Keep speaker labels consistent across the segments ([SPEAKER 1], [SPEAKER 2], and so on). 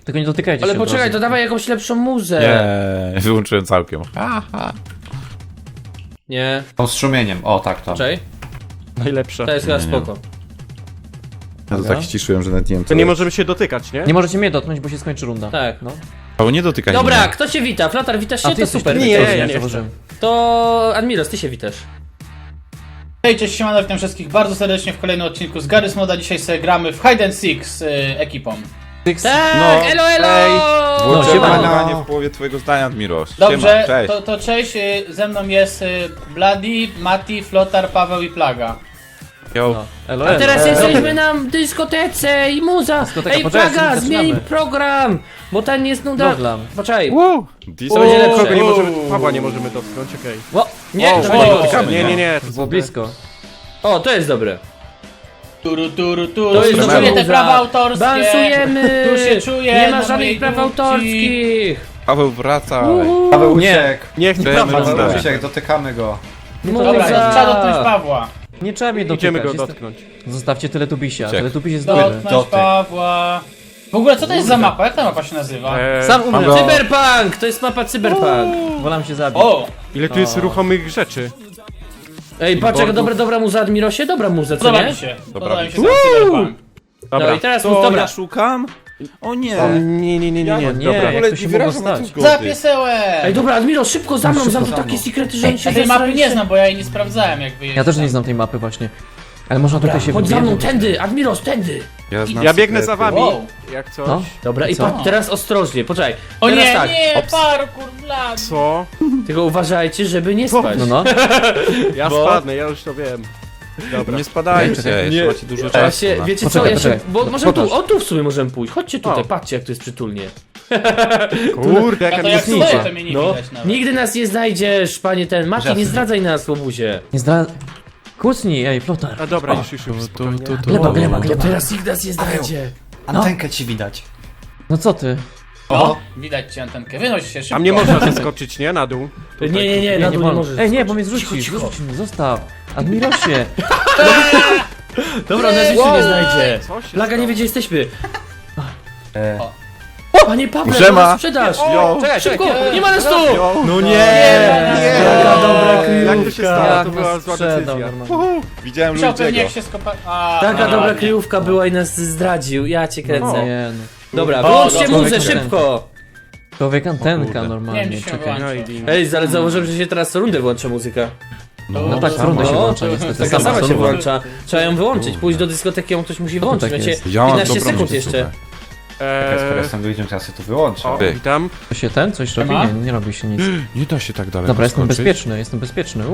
[SPEAKER 1] Tylko nie dotykajcie
[SPEAKER 2] Ale
[SPEAKER 1] się od
[SPEAKER 2] poczekaj,
[SPEAKER 1] razu.
[SPEAKER 2] to dawaj jakąś lepszą muzę.
[SPEAKER 3] Nie, wyłączyłem całkiem.
[SPEAKER 2] Nie.
[SPEAKER 4] Tą strumieniem, o tak to.
[SPEAKER 2] Czekaj,
[SPEAKER 5] Najlepsze.
[SPEAKER 2] to jest chyba
[SPEAKER 3] Nie, nie.
[SPEAKER 2] spoko.
[SPEAKER 3] Ja to tak ściszyłem, że nawet nie wiem
[SPEAKER 5] To nie możemy się dotykać, nie?
[SPEAKER 1] Nie możecie mnie dotknąć, bo się skończy runda.
[SPEAKER 2] Tak.
[SPEAKER 1] No.
[SPEAKER 3] O, nie dotykaj
[SPEAKER 2] Dobra,
[SPEAKER 3] mnie.
[SPEAKER 2] kto się wita? Flotar, witasz się?
[SPEAKER 1] A ty
[SPEAKER 2] To
[SPEAKER 1] jesteś
[SPEAKER 2] super.
[SPEAKER 1] tu?
[SPEAKER 5] Nie,
[SPEAKER 1] To
[SPEAKER 5] ja
[SPEAKER 1] nie
[SPEAKER 5] nie
[SPEAKER 1] zauważyłem.
[SPEAKER 2] To Admiros, ty się witasz.
[SPEAKER 6] Hej, cześć, siemano, witam wszystkich bardzo serdecznie w kolejnym odcinku z Garry's Moda. Dzisiaj sobie gramy w Hide and Seek z ekipą.
[SPEAKER 2] Tak,
[SPEAKER 3] No,
[SPEAKER 2] elo, elo!
[SPEAKER 3] Włączyłem
[SPEAKER 1] siemano.
[SPEAKER 3] nagrywanie w połowie twojego zdania, Admiros.
[SPEAKER 6] Dobrze,
[SPEAKER 3] Siema, cześć.
[SPEAKER 6] to cześć, ze mną jest Bloody, Mati, Flotar, Paweł i Plaga.
[SPEAKER 3] Yo.
[SPEAKER 1] No. Elo,
[SPEAKER 2] A teraz
[SPEAKER 1] elo.
[SPEAKER 2] jesteśmy na dyskotece i muza.
[SPEAKER 1] Dyskoteka,
[SPEAKER 2] Ej,
[SPEAKER 1] poczekaj,
[SPEAKER 2] Plaga,
[SPEAKER 1] zaczynamy.
[SPEAKER 2] zmień program, bo ten jest nuda.
[SPEAKER 1] Program.
[SPEAKER 2] Poczekaj.
[SPEAKER 5] Wow!
[SPEAKER 3] Disco
[SPEAKER 2] będzie lepsze.
[SPEAKER 5] Kogo nie możemy... Pawła nie możemy dotknąć, okej.
[SPEAKER 2] O, nie,
[SPEAKER 5] O,
[SPEAKER 2] to
[SPEAKER 5] o,
[SPEAKER 2] będzie
[SPEAKER 6] o,
[SPEAKER 2] gorsze.
[SPEAKER 5] Nie,
[SPEAKER 1] To było blisko.
[SPEAKER 2] O, to jest dobre.
[SPEAKER 6] Turu, turu, turu,
[SPEAKER 2] To jest
[SPEAKER 6] czuję
[SPEAKER 2] dobra
[SPEAKER 6] te
[SPEAKER 2] muza.
[SPEAKER 6] prawa autorskie.
[SPEAKER 2] Bansujemy!
[SPEAKER 6] Tu się czuję
[SPEAKER 2] Nie ma
[SPEAKER 6] na
[SPEAKER 2] żadnych
[SPEAKER 6] mojej
[SPEAKER 2] praw
[SPEAKER 6] dupci.
[SPEAKER 2] autorskich!
[SPEAKER 3] Paweł, wracaj.
[SPEAKER 4] Paweł
[SPEAKER 1] Nie.
[SPEAKER 4] uciekł.
[SPEAKER 5] Nie chcę
[SPEAKER 3] Chcemy
[SPEAKER 5] Paweł.
[SPEAKER 3] rundę.
[SPEAKER 4] Paweł uciekł, dotykamy go.
[SPEAKER 6] Dobra, trzeba dotknąć Pawła.
[SPEAKER 1] Nie trzeba mnie dotykać.
[SPEAKER 5] Idziemy go
[SPEAKER 1] Jestem-
[SPEAKER 5] dotknąć.
[SPEAKER 1] Zostawcie Teletubisia.
[SPEAKER 3] Uciekł.
[SPEAKER 1] Teletubis jest dobry.
[SPEAKER 6] Dotknąć
[SPEAKER 4] Dotyk.
[SPEAKER 6] Pawła. W ogóle co to jest za mapa? Jak ta mapa się nazywa?
[SPEAKER 1] Sam umrę.
[SPEAKER 3] Mam go.
[SPEAKER 2] Cyberpunk! To jest mapa Cyberpunk.
[SPEAKER 1] Wolam się zabić.
[SPEAKER 6] O!
[SPEAKER 5] Ile tu jest ruchomych rzeczy?
[SPEAKER 2] Ej, patrz jaka dobra muza, Admirosie, dobra muza, co
[SPEAKER 6] Podoba
[SPEAKER 2] nie?
[SPEAKER 6] mi się.
[SPEAKER 3] Dobra.
[SPEAKER 6] Podoba mi się ten cyberpunk.
[SPEAKER 2] No
[SPEAKER 5] Dobra.
[SPEAKER 2] i teraz,
[SPEAKER 3] Co,
[SPEAKER 2] dobra.
[SPEAKER 3] ja szukam? O nie.
[SPEAKER 5] Nie.
[SPEAKER 1] Nie,
[SPEAKER 5] Dobra.
[SPEAKER 1] jak to się mogło stać?
[SPEAKER 6] Zapiesełe!
[SPEAKER 2] Ej, dobra, Admiro, szybko za mną, znam tu takie sekrety, że oni się
[SPEAKER 6] Ja tej mapy
[SPEAKER 2] zesraliście.
[SPEAKER 6] nie znam, bo ja jej nie sprawdzałem jak wyjeżdżam.
[SPEAKER 1] Ja też nie znam tej mapy właśnie. Ale można
[SPEAKER 2] Dobra,
[SPEAKER 1] tutaj się
[SPEAKER 2] chodź za mną,
[SPEAKER 1] wybijać.
[SPEAKER 2] tędy, Admiros, tędy.
[SPEAKER 3] znam
[SPEAKER 5] Ja biegnę za
[SPEAKER 3] sekrety.
[SPEAKER 5] wami.
[SPEAKER 6] Wow.
[SPEAKER 5] Jak coś.
[SPEAKER 1] No.
[SPEAKER 2] Dobra, i
[SPEAKER 1] Co?
[SPEAKER 2] patrz, teraz ostrożnie, poczekaj.
[SPEAKER 6] O
[SPEAKER 2] Teraz
[SPEAKER 6] nie,
[SPEAKER 2] tak,
[SPEAKER 6] nie, parkour, blad.
[SPEAKER 5] Co?
[SPEAKER 2] tylko uważajcie, żeby nie spać.
[SPEAKER 1] No.
[SPEAKER 5] Ja
[SPEAKER 2] Bo-
[SPEAKER 5] spadnę, ja już to wiem. Dobra.
[SPEAKER 3] Nie spadajcie,
[SPEAKER 1] Czekaj.
[SPEAKER 3] jeszcze macie dużo
[SPEAKER 2] Ja
[SPEAKER 3] czasu.
[SPEAKER 2] się,
[SPEAKER 3] na-
[SPEAKER 2] wiecie co,
[SPEAKER 1] Poczekaj,
[SPEAKER 2] ja się,
[SPEAKER 1] poczekaj.
[SPEAKER 2] bo możemy tu,
[SPEAKER 1] Pokaż.
[SPEAKER 2] o tu w sumie możemy pójść, chodźcie tutaj,
[SPEAKER 5] O.
[SPEAKER 2] patrzcie jak tu jest przytulnie.
[SPEAKER 5] Kurde,
[SPEAKER 6] Ja
[SPEAKER 5] jaka
[SPEAKER 6] to jak
[SPEAKER 5] mięsnica.
[SPEAKER 6] stoję, to mnie nie
[SPEAKER 2] No,
[SPEAKER 6] widać nawet.
[SPEAKER 2] nigdy nas nie znajdziesz, panie ten, Mati, nie zdradzaj nas, łobuzie.
[SPEAKER 1] Nie zdra... Kucnij, ej, flotar.
[SPEAKER 5] A dobra, już. spokojnie.
[SPEAKER 2] To teraz nikt nas nie znajdzie.
[SPEAKER 4] Antenkę ci widać.
[SPEAKER 1] No co ty?
[SPEAKER 6] O, widać ci antenkę, wynoś się szybko.
[SPEAKER 5] A mnie można zeskoczyć, nie? Na dół.
[SPEAKER 2] Nie, na dół nie
[SPEAKER 1] wolno.
[SPEAKER 2] możesz.
[SPEAKER 1] Ej, nie, bo mnie
[SPEAKER 2] Cicho,
[SPEAKER 1] zrzucisz.
[SPEAKER 2] cicho.
[SPEAKER 1] Zrzuć mnie, zostaw. Admirosie.
[SPEAKER 2] Dobra, nas już nie znajdzie.
[SPEAKER 5] Co się
[SPEAKER 2] Plaga nie
[SPEAKER 5] stało?
[SPEAKER 2] wie gdzie jesteśmy.
[SPEAKER 4] E,
[SPEAKER 2] Panie Pawle,
[SPEAKER 3] Siema.
[SPEAKER 2] no nas sprzedaż.
[SPEAKER 5] Czekaj,
[SPEAKER 2] Szybko,
[SPEAKER 6] czekaj,
[SPEAKER 2] nie ma nas tu.
[SPEAKER 3] No
[SPEAKER 2] Taka dobra
[SPEAKER 5] Jak to się stało?
[SPEAKER 1] Jak
[SPEAKER 5] To była
[SPEAKER 1] nas
[SPEAKER 5] zła
[SPEAKER 1] sprzedał
[SPEAKER 5] decyzja.
[SPEAKER 1] normalnie.
[SPEAKER 3] Widziałem
[SPEAKER 6] Musiał pewnie
[SPEAKER 3] ludziego.
[SPEAKER 6] jak się skopa...
[SPEAKER 2] Taka dobra
[SPEAKER 6] ładnie.
[SPEAKER 2] kryjówka była i nas zdradził, ja cię kręcę.
[SPEAKER 1] Nie no.
[SPEAKER 2] Dobra,
[SPEAKER 6] O,
[SPEAKER 2] wyłączcie
[SPEAKER 6] dobra,
[SPEAKER 2] muzę,
[SPEAKER 1] człowiek
[SPEAKER 2] szybko.
[SPEAKER 1] Człowiek antenka
[SPEAKER 3] kurde.
[SPEAKER 1] normalnie,
[SPEAKER 6] Nie, dzisiaj
[SPEAKER 1] czekaj.
[SPEAKER 6] wyłączę.
[SPEAKER 2] Ej, zaraz zauważyłem, że się teraz co rundę włącza muzyka.
[SPEAKER 1] No tak, w rundę się
[SPEAKER 2] No,
[SPEAKER 1] włącza niestety.
[SPEAKER 2] Taka sama
[SPEAKER 1] co
[SPEAKER 2] się
[SPEAKER 1] rundę.
[SPEAKER 2] włącza. Trzeba ją wyłączyć, pójść do dyskoteki, ją ktoś musi wyłączyć.
[SPEAKER 1] tak
[SPEAKER 2] Macie
[SPEAKER 1] jest?
[SPEAKER 3] Ja mam
[SPEAKER 2] 15
[SPEAKER 3] dobrą
[SPEAKER 2] sekund
[SPEAKER 3] rzecz,
[SPEAKER 2] jeszcze.
[SPEAKER 4] skoro jestem ludziom, to ja sobie to wyłączę.
[SPEAKER 5] O,
[SPEAKER 3] Ty.
[SPEAKER 5] witam.
[SPEAKER 1] To się ten coś robi?
[SPEAKER 6] Siema.
[SPEAKER 1] Nie robi się nic.
[SPEAKER 3] Nie da się tak daleko
[SPEAKER 1] Dobra, jestem
[SPEAKER 3] skoczyć.
[SPEAKER 1] bezpieczny,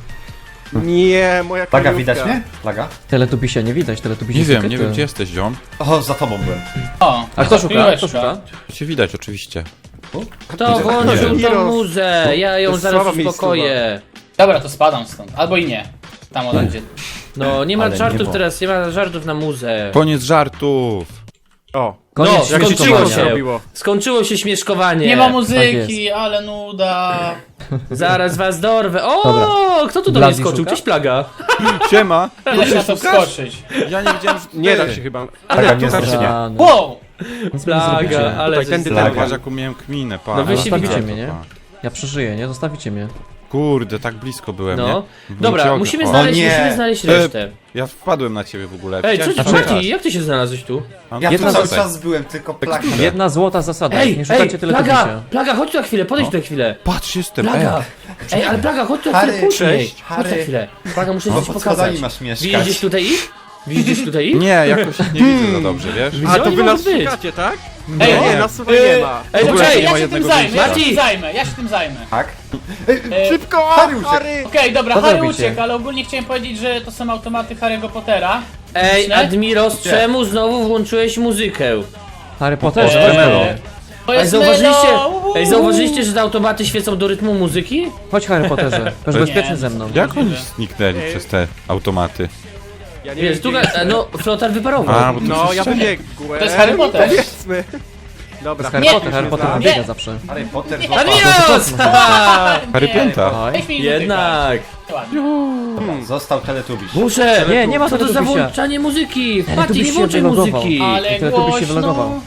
[SPEAKER 5] Nie, moja
[SPEAKER 4] Plaga,
[SPEAKER 5] kryjówka.
[SPEAKER 4] widać mnie? Plaga?
[SPEAKER 1] Teletubisia nie widać, teletubisia
[SPEAKER 3] Nie wiem,
[SPEAKER 1] sekryty.
[SPEAKER 3] nie wiem gdzie jesteś, ziom.
[SPEAKER 4] O, za tobą byłem.
[SPEAKER 6] O,
[SPEAKER 1] A kto szuka?
[SPEAKER 6] kryjóweczka.
[SPEAKER 1] Kto szuka?
[SPEAKER 3] Cię widać oczywiście.
[SPEAKER 2] Kto włączył tą
[SPEAKER 5] Miros.
[SPEAKER 2] muzę? Ja
[SPEAKER 5] To
[SPEAKER 2] ją
[SPEAKER 5] jest
[SPEAKER 2] zaraz
[SPEAKER 5] słaba
[SPEAKER 2] uspokoję.
[SPEAKER 6] Dobra, to spadam stąd. Albo i nie. Tam ona gdzie.
[SPEAKER 2] No, nie ma
[SPEAKER 4] Ale
[SPEAKER 2] żartów
[SPEAKER 4] niebo.
[SPEAKER 2] teraz, nie ma żartów na muzę.
[SPEAKER 3] Koniec żartów.
[SPEAKER 5] O,
[SPEAKER 1] Koniec
[SPEAKER 2] No,
[SPEAKER 5] jak się
[SPEAKER 2] skończyło
[SPEAKER 5] cicho
[SPEAKER 2] się.
[SPEAKER 5] zrobiło.
[SPEAKER 2] Skończyło się śmieszkowanie.
[SPEAKER 6] Nie ma
[SPEAKER 1] Tak
[SPEAKER 6] muzyki, ale nuda.
[SPEAKER 2] Zaraz was dorwę. O,
[SPEAKER 1] Dobra.
[SPEAKER 2] kto tu do mnie
[SPEAKER 1] Blady
[SPEAKER 2] skoczył?
[SPEAKER 1] szuka?
[SPEAKER 2] Cześć Plaga.
[SPEAKER 3] Siema.
[SPEAKER 6] Nie da się na to wskoczyć.
[SPEAKER 3] Ja nie wiedziałem, że
[SPEAKER 5] Nie da się chyba.
[SPEAKER 4] Plaga nie
[SPEAKER 5] tu
[SPEAKER 4] zresztą.
[SPEAKER 1] A, no.
[SPEAKER 6] Wow!
[SPEAKER 1] Nic mi nie
[SPEAKER 2] Plaga,
[SPEAKER 1] zrobicie.
[SPEAKER 2] ale
[SPEAKER 5] Tutaj
[SPEAKER 2] żeś
[SPEAKER 5] tędy
[SPEAKER 2] zdał.
[SPEAKER 4] Plaga.
[SPEAKER 3] Zobacz jaką miałem kminę, pa.
[SPEAKER 2] No wy się
[SPEAKER 1] Zostawicie
[SPEAKER 2] widzicie
[SPEAKER 1] mnie, nie? Ja przeżyję, nie? Zostawicie mnie.
[SPEAKER 3] Kurde, tak blisko byłem,
[SPEAKER 2] No.
[SPEAKER 3] nie?
[SPEAKER 2] Dobra,
[SPEAKER 3] Ciągle.
[SPEAKER 2] musimy
[SPEAKER 3] O,
[SPEAKER 2] znaleźć,
[SPEAKER 4] nie.
[SPEAKER 2] musimy znaleźć resztę.
[SPEAKER 3] Ja wpadłem na ciebie w ogóle.
[SPEAKER 2] Ej,
[SPEAKER 3] Chciałem
[SPEAKER 2] co
[SPEAKER 3] cię
[SPEAKER 2] ty,
[SPEAKER 3] szukać.
[SPEAKER 2] Mati, jak ty się znalazłeś tu?
[SPEAKER 3] Mam
[SPEAKER 4] Ja tu
[SPEAKER 1] Jedna
[SPEAKER 4] cały
[SPEAKER 3] tutaj.
[SPEAKER 4] czas byłem, tylko plaga.
[SPEAKER 1] Jedna złota zasada,
[SPEAKER 2] Ej,
[SPEAKER 1] nie szukacie
[SPEAKER 2] Plaga,
[SPEAKER 1] teletubisia.
[SPEAKER 2] Plaga, chodź tu na chwilę, podejdź tu na chwilę.
[SPEAKER 3] Patrz, jestem.
[SPEAKER 2] Plaga, ej, ale Plaga, chodź tu na chwilę
[SPEAKER 4] Harry,
[SPEAKER 2] później.
[SPEAKER 4] cześć,
[SPEAKER 2] Chodź na
[SPEAKER 4] Harry.
[SPEAKER 2] chwilę. Plaga, muszę
[SPEAKER 4] No,
[SPEAKER 2] coś
[SPEAKER 4] pod
[SPEAKER 2] pokazać.
[SPEAKER 4] schodami masz
[SPEAKER 2] Widzisz
[SPEAKER 4] mieszkać.
[SPEAKER 2] gdzieś tutaj ich? Widzisz gdzieś tutaj ich?
[SPEAKER 3] Nie, jakoś nie widzę za dobrze, wiesz?
[SPEAKER 2] Gdzie
[SPEAKER 5] A, to
[SPEAKER 2] oni
[SPEAKER 5] wy
[SPEAKER 2] mogą
[SPEAKER 5] nas
[SPEAKER 2] być?
[SPEAKER 5] szukacie, tak?
[SPEAKER 6] Ej,
[SPEAKER 5] Nie, nas tutaj nie ma.
[SPEAKER 2] Ej,
[SPEAKER 3] W ogóle
[SPEAKER 2] poczekaj,
[SPEAKER 3] nie ma
[SPEAKER 6] ja się tym
[SPEAKER 3] jednego
[SPEAKER 6] zajmę, ja się
[SPEAKER 2] Mati!
[SPEAKER 6] tym zajmę, ja się tym zajmę.
[SPEAKER 4] Tak?
[SPEAKER 5] Szybko!
[SPEAKER 4] Harry uciekł.
[SPEAKER 6] Okej, dobra,
[SPEAKER 1] Co
[SPEAKER 6] Harry
[SPEAKER 1] robicie?
[SPEAKER 6] uciekł, ale ogólnie chciałem powiedzieć, że to są automaty Harry'ego Pottera.
[SPEAKER 2] Ej,
[SPEAKER 6] Nie?
[SPEAKER 2] Admiros, czemu znowu włączyłeś muzykę?
[SPEAKER 1] Harry Potterze,
[SPEAKER 3] Eee.
[SPEAKER 1] chodź
[SPEAKER 3] Melo.
[SPEAKER 1] Harry.
[SPEAKER 6] To
[SPEAKER 2] Ej,
[SPEAKER 6] jest
[SPEAKER 2] zauważyliście,
[SPEAKER 6] Melo!
[SPEAKER 2] ej, zauważyliście, że te automaty świecą do rytmu muzyki?
[SPEAKER 1] Chodź Harry Potterze, będziesz bezpieczny ze mną.
[SPEAKER 3] Jak oni zniknęli przez te automaty?
[SPEAKER 5] Ja nie
[SPEAKER 2] Wiesz, tu,
[SPEAKER 5] wiem,
[SPEAKER 2] no, flotar wyparował.
[SPEAKER 3] A, bo to
[SPEAKER 5] No, ja
[SPEAKER 3] przez ścianę.
[SPEAKER 5] wybiegłem.
[SPEAKER 6] To jest Harry Potter.
[SPEAKER 5] Powiedzmy. Dobra.
[SPEAKER 1] Harry
[SPEAKER 6] Nie.
[SPEAKER 1] Potter, Harry Potter
[SPEAKER 5] Nie.
[SPEAKER 1] biega zawsze.
[SPEAKER 4] Harry Potter
[SPEAKER 2] Admiros!
[SPEAKER 3] Harry Pięta.
[SPEAKER 1] Oj.
[SPEAKER 6] Weź mi
[SPEAKER 2] Jednak.
[SPEAKER 6] Ładnie.
[SPEAKER 4] został teletubiś.
[SPEAKER 2] Muszę!
[SPEAKER 1] Nie, nie ma
[SPEAKER 2] Co to za
[SPEAKER 1] teletubisia.
[SPEAKER 2] włączanie muzyki? Mati,
[SPEAKER 1] Teletubiś
[SPEAKER 2] nie
[SPEAKER 1] się
[SPEAKER 2] włączaj
[SPEAKER 1] wylogował.
[SPEAKER 2] muzyki!
[SPEAKER 6] Ale
[SPEAKER 1] Teletubiś się wylogował.
[SPEAKER 6] głośno.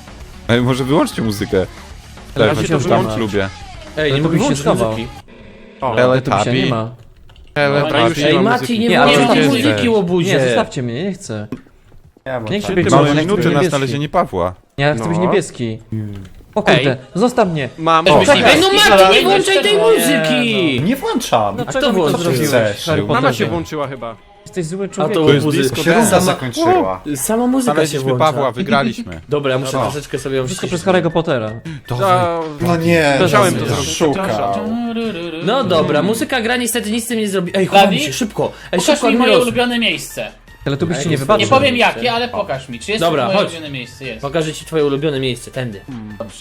[SPEAKER 3] Ej, może wyłączcie muzykę.
[SPEAKER 5] Ale
[SPEAKER 3] Tak,
[SPEAKER 5] ja się
[SPEAKER 3] to
[SPEAKER 5] to
[SPEAKER 3] wyłącz
[SPEAKER 1] wyłącz.
[SPEAKER 3] lubię.
[SPEAKER 2] Ej, nie
[SPEAKER 1] to
[SPEAKER 2] mogę
[SPEAKER 1] byś się
[SPEAKER 2] włączyć
[SPEAKER 1] schował.
[SPEAKER 2] muzyki.
[SPEAKER 5] O,
[SPEAKER 1] Teletubisia nie ma.
[SPEAKER 5] dobra, już nie
[SPEAKER 2] Ej,
[SPEAKER 5] ma
[SPEAKER 2] Mati,
[SPEAKER 5] muzyki.
[SPEAKER 2] nie
[SPEAKER 1] Nie, ale
[SPEAKER 2] włączaj tej
[SPEAKER 1] zostawcie.
[SPEAKER 2] muzyki, łobuzie.
[SPEAKER 1] Nie, zostawcie mnie, nie chcę.
[SPEAKER 4] Ja
[SPEAKER 1] Nie chcę
[SPEAKER 3] Ty
[SPEAKER 1] być
[SPEAKER 3] mamy
[SPEAKER 1] zielony,
[SPEAKER 3] minuty
[SPEAKER 1] chcę
[SPEAKER 3] na
[SPEAKER 1] niebieski.
[SPEAKER 3] znalezienie Pawła.
[SPEAKER 1] Ja chcę być
[SPEAKER 5] No.
[SPEAKER 1] niebieski. O kurde, zostaw mnie.
[SPEAKER 5] Mam.
[SPEAKER 6] O,
[SPEAKER 2] Ej, no Mati, nie włączaj tej
[SPEAKER 6] Nie,
[SPEAKER 2] muzyki!
[SPEAKER 4] Nie włączam.
[SPEAKER 1] Dlaczego
[SPEAKER 2] kto
[SPEAKER 1] mi to
[SPEAKER 2] włączył?
[SPEAKER 1] zrobiłeś,
[SPEAKER 4] Chcesz?
[SPEAKER 1] Harry
[SPEAKER 5] Mama
[SPEAKER 1] Potterze?
[SPEAKER 5] się włączyła chyba.
[SPEAKER 1] Jesteś zły
[SPEAKER 2] A
[SPEAKER 1] człowiek.
[SPEAKER 2] to
[SPEAKER 3] To jest
[SPEAKER 2] łobuzy.
[SPEAKER 3] disco
[SPEAKER 4] Się runda
[SPEAKER 3] dance.
[SPEAKER 4] zakończyła.
[SPEAKER 2] Sama muzyka się
[SPEAKER 3] Znaleźliśmy
[SPEAKER 2] włącza.
[SPEAKER 3] Pawła, wygraliśmy.
[SPEAKER 2] Dobra, ja muszę
[SPEAKER 4] Dobra.
[SPEAKER 2] troszeczkę sobie ją
[SPEAKER 1] Wszystko
[SPEAKER 2] ściszyć.
[SPEAKER 1] przez Harry'ego Pottera.
[SPEAKER 4] No nie,
[SPEAKER 5] Musiałem
[SPEAKER 1] to
[SPEAKER 5] zrobić.
[SPEAKER 4] szukał.
[SPEAKER 2] No dobra, muzyka gra niestety nic z tym nie zrobi. Ej,
[SPEAKER 6] Bladi?
[SPEAKER 2] chowam się, szybko. Ej,
[SPEAKER 6] Pokaż
[SPEAKER 2] szybko,
[SPEAKER 6] mi moje
[SPEAKER 2] Admiros.
[SPEAKER 6] ulubione miejsce.
[SPEAKER 1] Teletubiś ci nie
[SPEAKER 2] Nie
[SPEAKER 1] wybaczy.
[SPEAKER 6] Nie powiem jakie, ale pokaż mi. Czy jest
[SPEAKER 2] Dobra,
[SPEAKER 6] to moje
[SPEAKER 2] chodź.
[SPEAKER 6] ulubione miejsce? Jest.
[SPEAKER 2] Pokażę ci twoje ulubione miejsce, tędy.
[SPEAKER 6] Dobrze.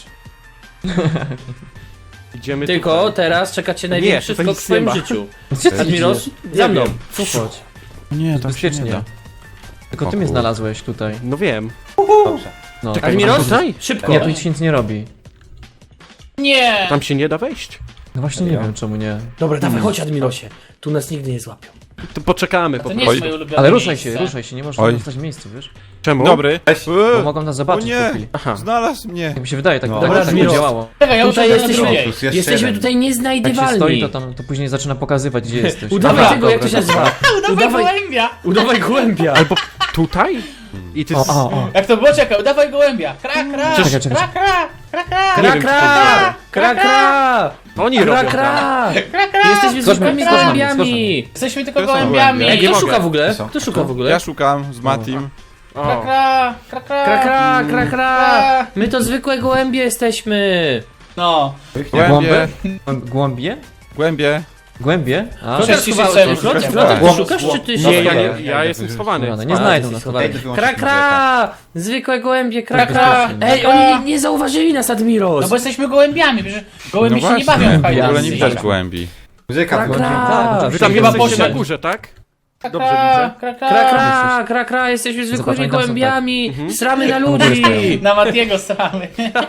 [SPEAKER 5] Idziemy
[SPEAKER 2] Tylko
[SPEAKER 5] tutaj.
[SPEAKER 2] teraz czeka cię największy
[SPEAKER 5] tutaj
[SPEAKER 2] skok
[SPEAKER 5] nic
[SPEAKER 2] w twoim
[SPEAKER 5] nie ma.
[SPEAKER 2] życiu.
[SPEAKER 1] Gdzie ty
[SPEAKER 2] Admiros,
[SPEAKER 1] idziesz?
[SPEAKER 2] za mną.
[SPEAKER 1] Tu chodź.
[SPEAKER 3] Nie, tak się
[SPEAKER 1] Bezpiecznie.
[SPEAKER 3] nie da.
[SPEAKER 1] Tylko
[SPEAKER 3] O
[SPEAKER 1] ty mnie
[SPEAKER 3] kurde.
[SPEAKER 1] znalazłeś tutaj.
[SPEAKER 5] No wiem.
[SPEAKER 4] Dobrze.
[SPEAKER 1] No.
[SPEAKER 2] Admiros,
[SPEAKER 5] Tutaj?
[SPEAKER 2] szybko.
[SPEAKER 1] Nie, tu nic się nic nie robi.
[SPEAKER 6] Nie!
[SPEAKER 5] Tam się nie da wejść.
[SPEAKER 1] No właśnie nie wiem czemu nie.
[SPEAKER 2] Dobra, dawaj, chodź Admirosie. Tu nas nigdy nie złapią.
[SPEAKER 5] To poczekamy po
[SPEAKER 6] To nie
[SPEAKER 5] prostu.
[SPEAKER 6] jest moje ulubione
[SPEAKER 1] Ale ruszaj
[SPEAKER 6] miejsce.
[SPEAKER 1] się, ruszaj się, nie możesz
[SPEAKER 3] Oj.
[SPEAKER 1] zostać w miejscu, wiesz?
[SPEAKER 5] Czemu?
[SPEAKER 3] Dobry.
[SPEAKER 1] Bo mogą nas
[SPEAKER 3] O
[SPEAKER 1] zobaczyć po
[SPEAKER 3] nie,
[SPEAKER 1] chwili.
[SPEAKER 5] Aha.
[SPEAKER 3] znalazł mnie.
[SPEAKER 1] Jak mi się wydaje, tak,
[SPEAKER 4] No.
[SPEAKER 1] tak,
[SPEAKER 2] Dobra,
[SPEAKER 1] tak
[SPEAKER 2] Admiros.
[SPEAKER 1] działało.
[SPEAKER 6] Czekaj, ja muszę
[SPEAKER 2] Tutaj
[SPEAKER 6] na
[SPEAKER 2] jesteśmy,
[SPEAKER 6] drugiej.
[SPEAKER 4] Plus jeszcze
[SPEAKER 2] jesteśmy
[SPEAKER 4] jeden.
[SPEAKER 2] tutaj
[SPEAKER 1] Jak się
[SPEAKER 2] nieznajdywalni.
[SPEAKER 1] stoi, to później zaczyna pokazywać, gdzie jesteś.
[SPEAKER 2] Udawaj
[SPEAKER 6] Dobra,
[SPEAKER 2] tego, jak to się nazywa.
[SPEAKER 6] Udawaj gołębia!
[SPEAKER 2] Udawaj gołębia.
[SPEAKER 5] Albo tutaj? I ty...
[SPEAKER 1] O.
[SPEAKER 6] Jak to było? Czekaj, udawaj gołębia! Kra, kra!
[SPEAKER 1] Czekaj, czekaj.
[SPEAKER 6] Kra, kra! Kra, kra!
[SPEAKER 2] Kra, kra! Kra, kra!
[SPEAKER 5] Oni
[SPEAKER 2] Kra,
[SPEAKER 5] robią
[SPEAKER 2] kra!
[SPEAKER 6] Kra, kra!
[SPEAKER 2] Jesteśmy
[SPEAKER 1] Skocz
[SPEAKER 2] zwykłymi
[SPEAKER 1] na mnie,
[SPEAKER 2] gołębiami.
[SPEAKER 6] Jesteśmy tylko
[SPEAKER 3] To są
[SPEAKER 6] gołębiami!
[SPEAKER 3] gołębie.
[SPEAKER 2] Ej,
[SPEAKER 5] nie
[SPEAKER 2] kto
[SPEAKER 5] mogę.
[SPEAKER 2] szuka w ogóle?
[SPEAKER 4] Co?
[SPEAKER 2] Kto szuka w ogóle?
[SPEAKER 3] Ja szukam z Matim.
[SPEAKER 6] Kra,
[SPEAKER 5] O.
[SPEAKER 6] kra! Kra, kra!
[SPEAKER 2] Kra, kra, kra, kra! My to zwykłe gołębie jesteśmy.
[SPEAKER 6] No.
[SPEAKER 3] Głębie.
[SPEAKER 1] Głąbie?
[SPEAKER 3] Głębie.
[SPEAKER 1] Głębie? A,
[SPEAKER 6] Cześć,
[SPEAKER 2] Klotek schowałeś
[SPEAKER 6] cześć,
[SPEAKER 2] się. Klotek,
[SPEAKER 6] cześć.
[SPEAKER 2] Klotek, ty
[SPEAKER 4] Głąb,
[SPEAKER 2] szukasz, czy
[SPEAKER 4] głąb.
[SPEAKER 2] ty
[SPEAKER 5] Nie,
[SPEAKER 2] się...
[SPEAKER 5] ja jestem schowany.
[SPEAKER 1] nie znajdą nas.
[SPEAKER 2] schowany.
[SPEAKER 4] Idę wyłączyć
[SPEAKER 2] Kra,
[SPEAKER 4] muzykę.
[SPEAKER 2] kra! Zwykłe gołębie, kra,
[SPEAKER 6] Kra,
[SPEAKER 2] kra!
[SPEAKER 6] kra.
[SPEAKER 2] Ej,
[SPEAKER 6] Kra.
[SPEAKER 2] oni nie zauważyli nas, Admiros!
[SPEAKER 6] No bo jesteśmy gołębiami, przecież gołębie
[SPEAKER 3] No
[SPEAKER 6] się nie
[SPEAKER 3] właśnie,
[SPEAKER 6] bawią w
[SPEAKER 3] w ogóle nie
[SPEAKER 6] hide
[SPEAKER 3] widać
[SPEAKER 6] and
[SPEAKER 3] głębi.
[SPEAKER 4] Muzyka
[SPEAKER 2] Kra,
[SPEAKER 4] wyłączyła.
[SPEAKER 2] kra!
[SPEAKER 1] Tak,
[SPEAKER 5] Wy tam
[SPEAKER 6] Chyba
[SPEAKER 5] jesteście na
[SPEAKER 6] poszedł.
[SPEAKER 5] górze, tak?
[SPEAKER 6] Kra,
[SPEAKER 5] Dobrze
[SPEAKER 6] kra,
[SPEAKER 5] widzę.
[SPEAKER 6] kra,
[SPEAKER 2] Kra,
[SPEAKER 6] kra.
[SPEAKER 2] kra, kra, kra, jesteśmy zwykłymi
[SPEAKER 1] oni tam są,
[SPEAKER 2] gołębiami, sramy na ludzi!
[SPEAKER 6] Na Matiego stramy.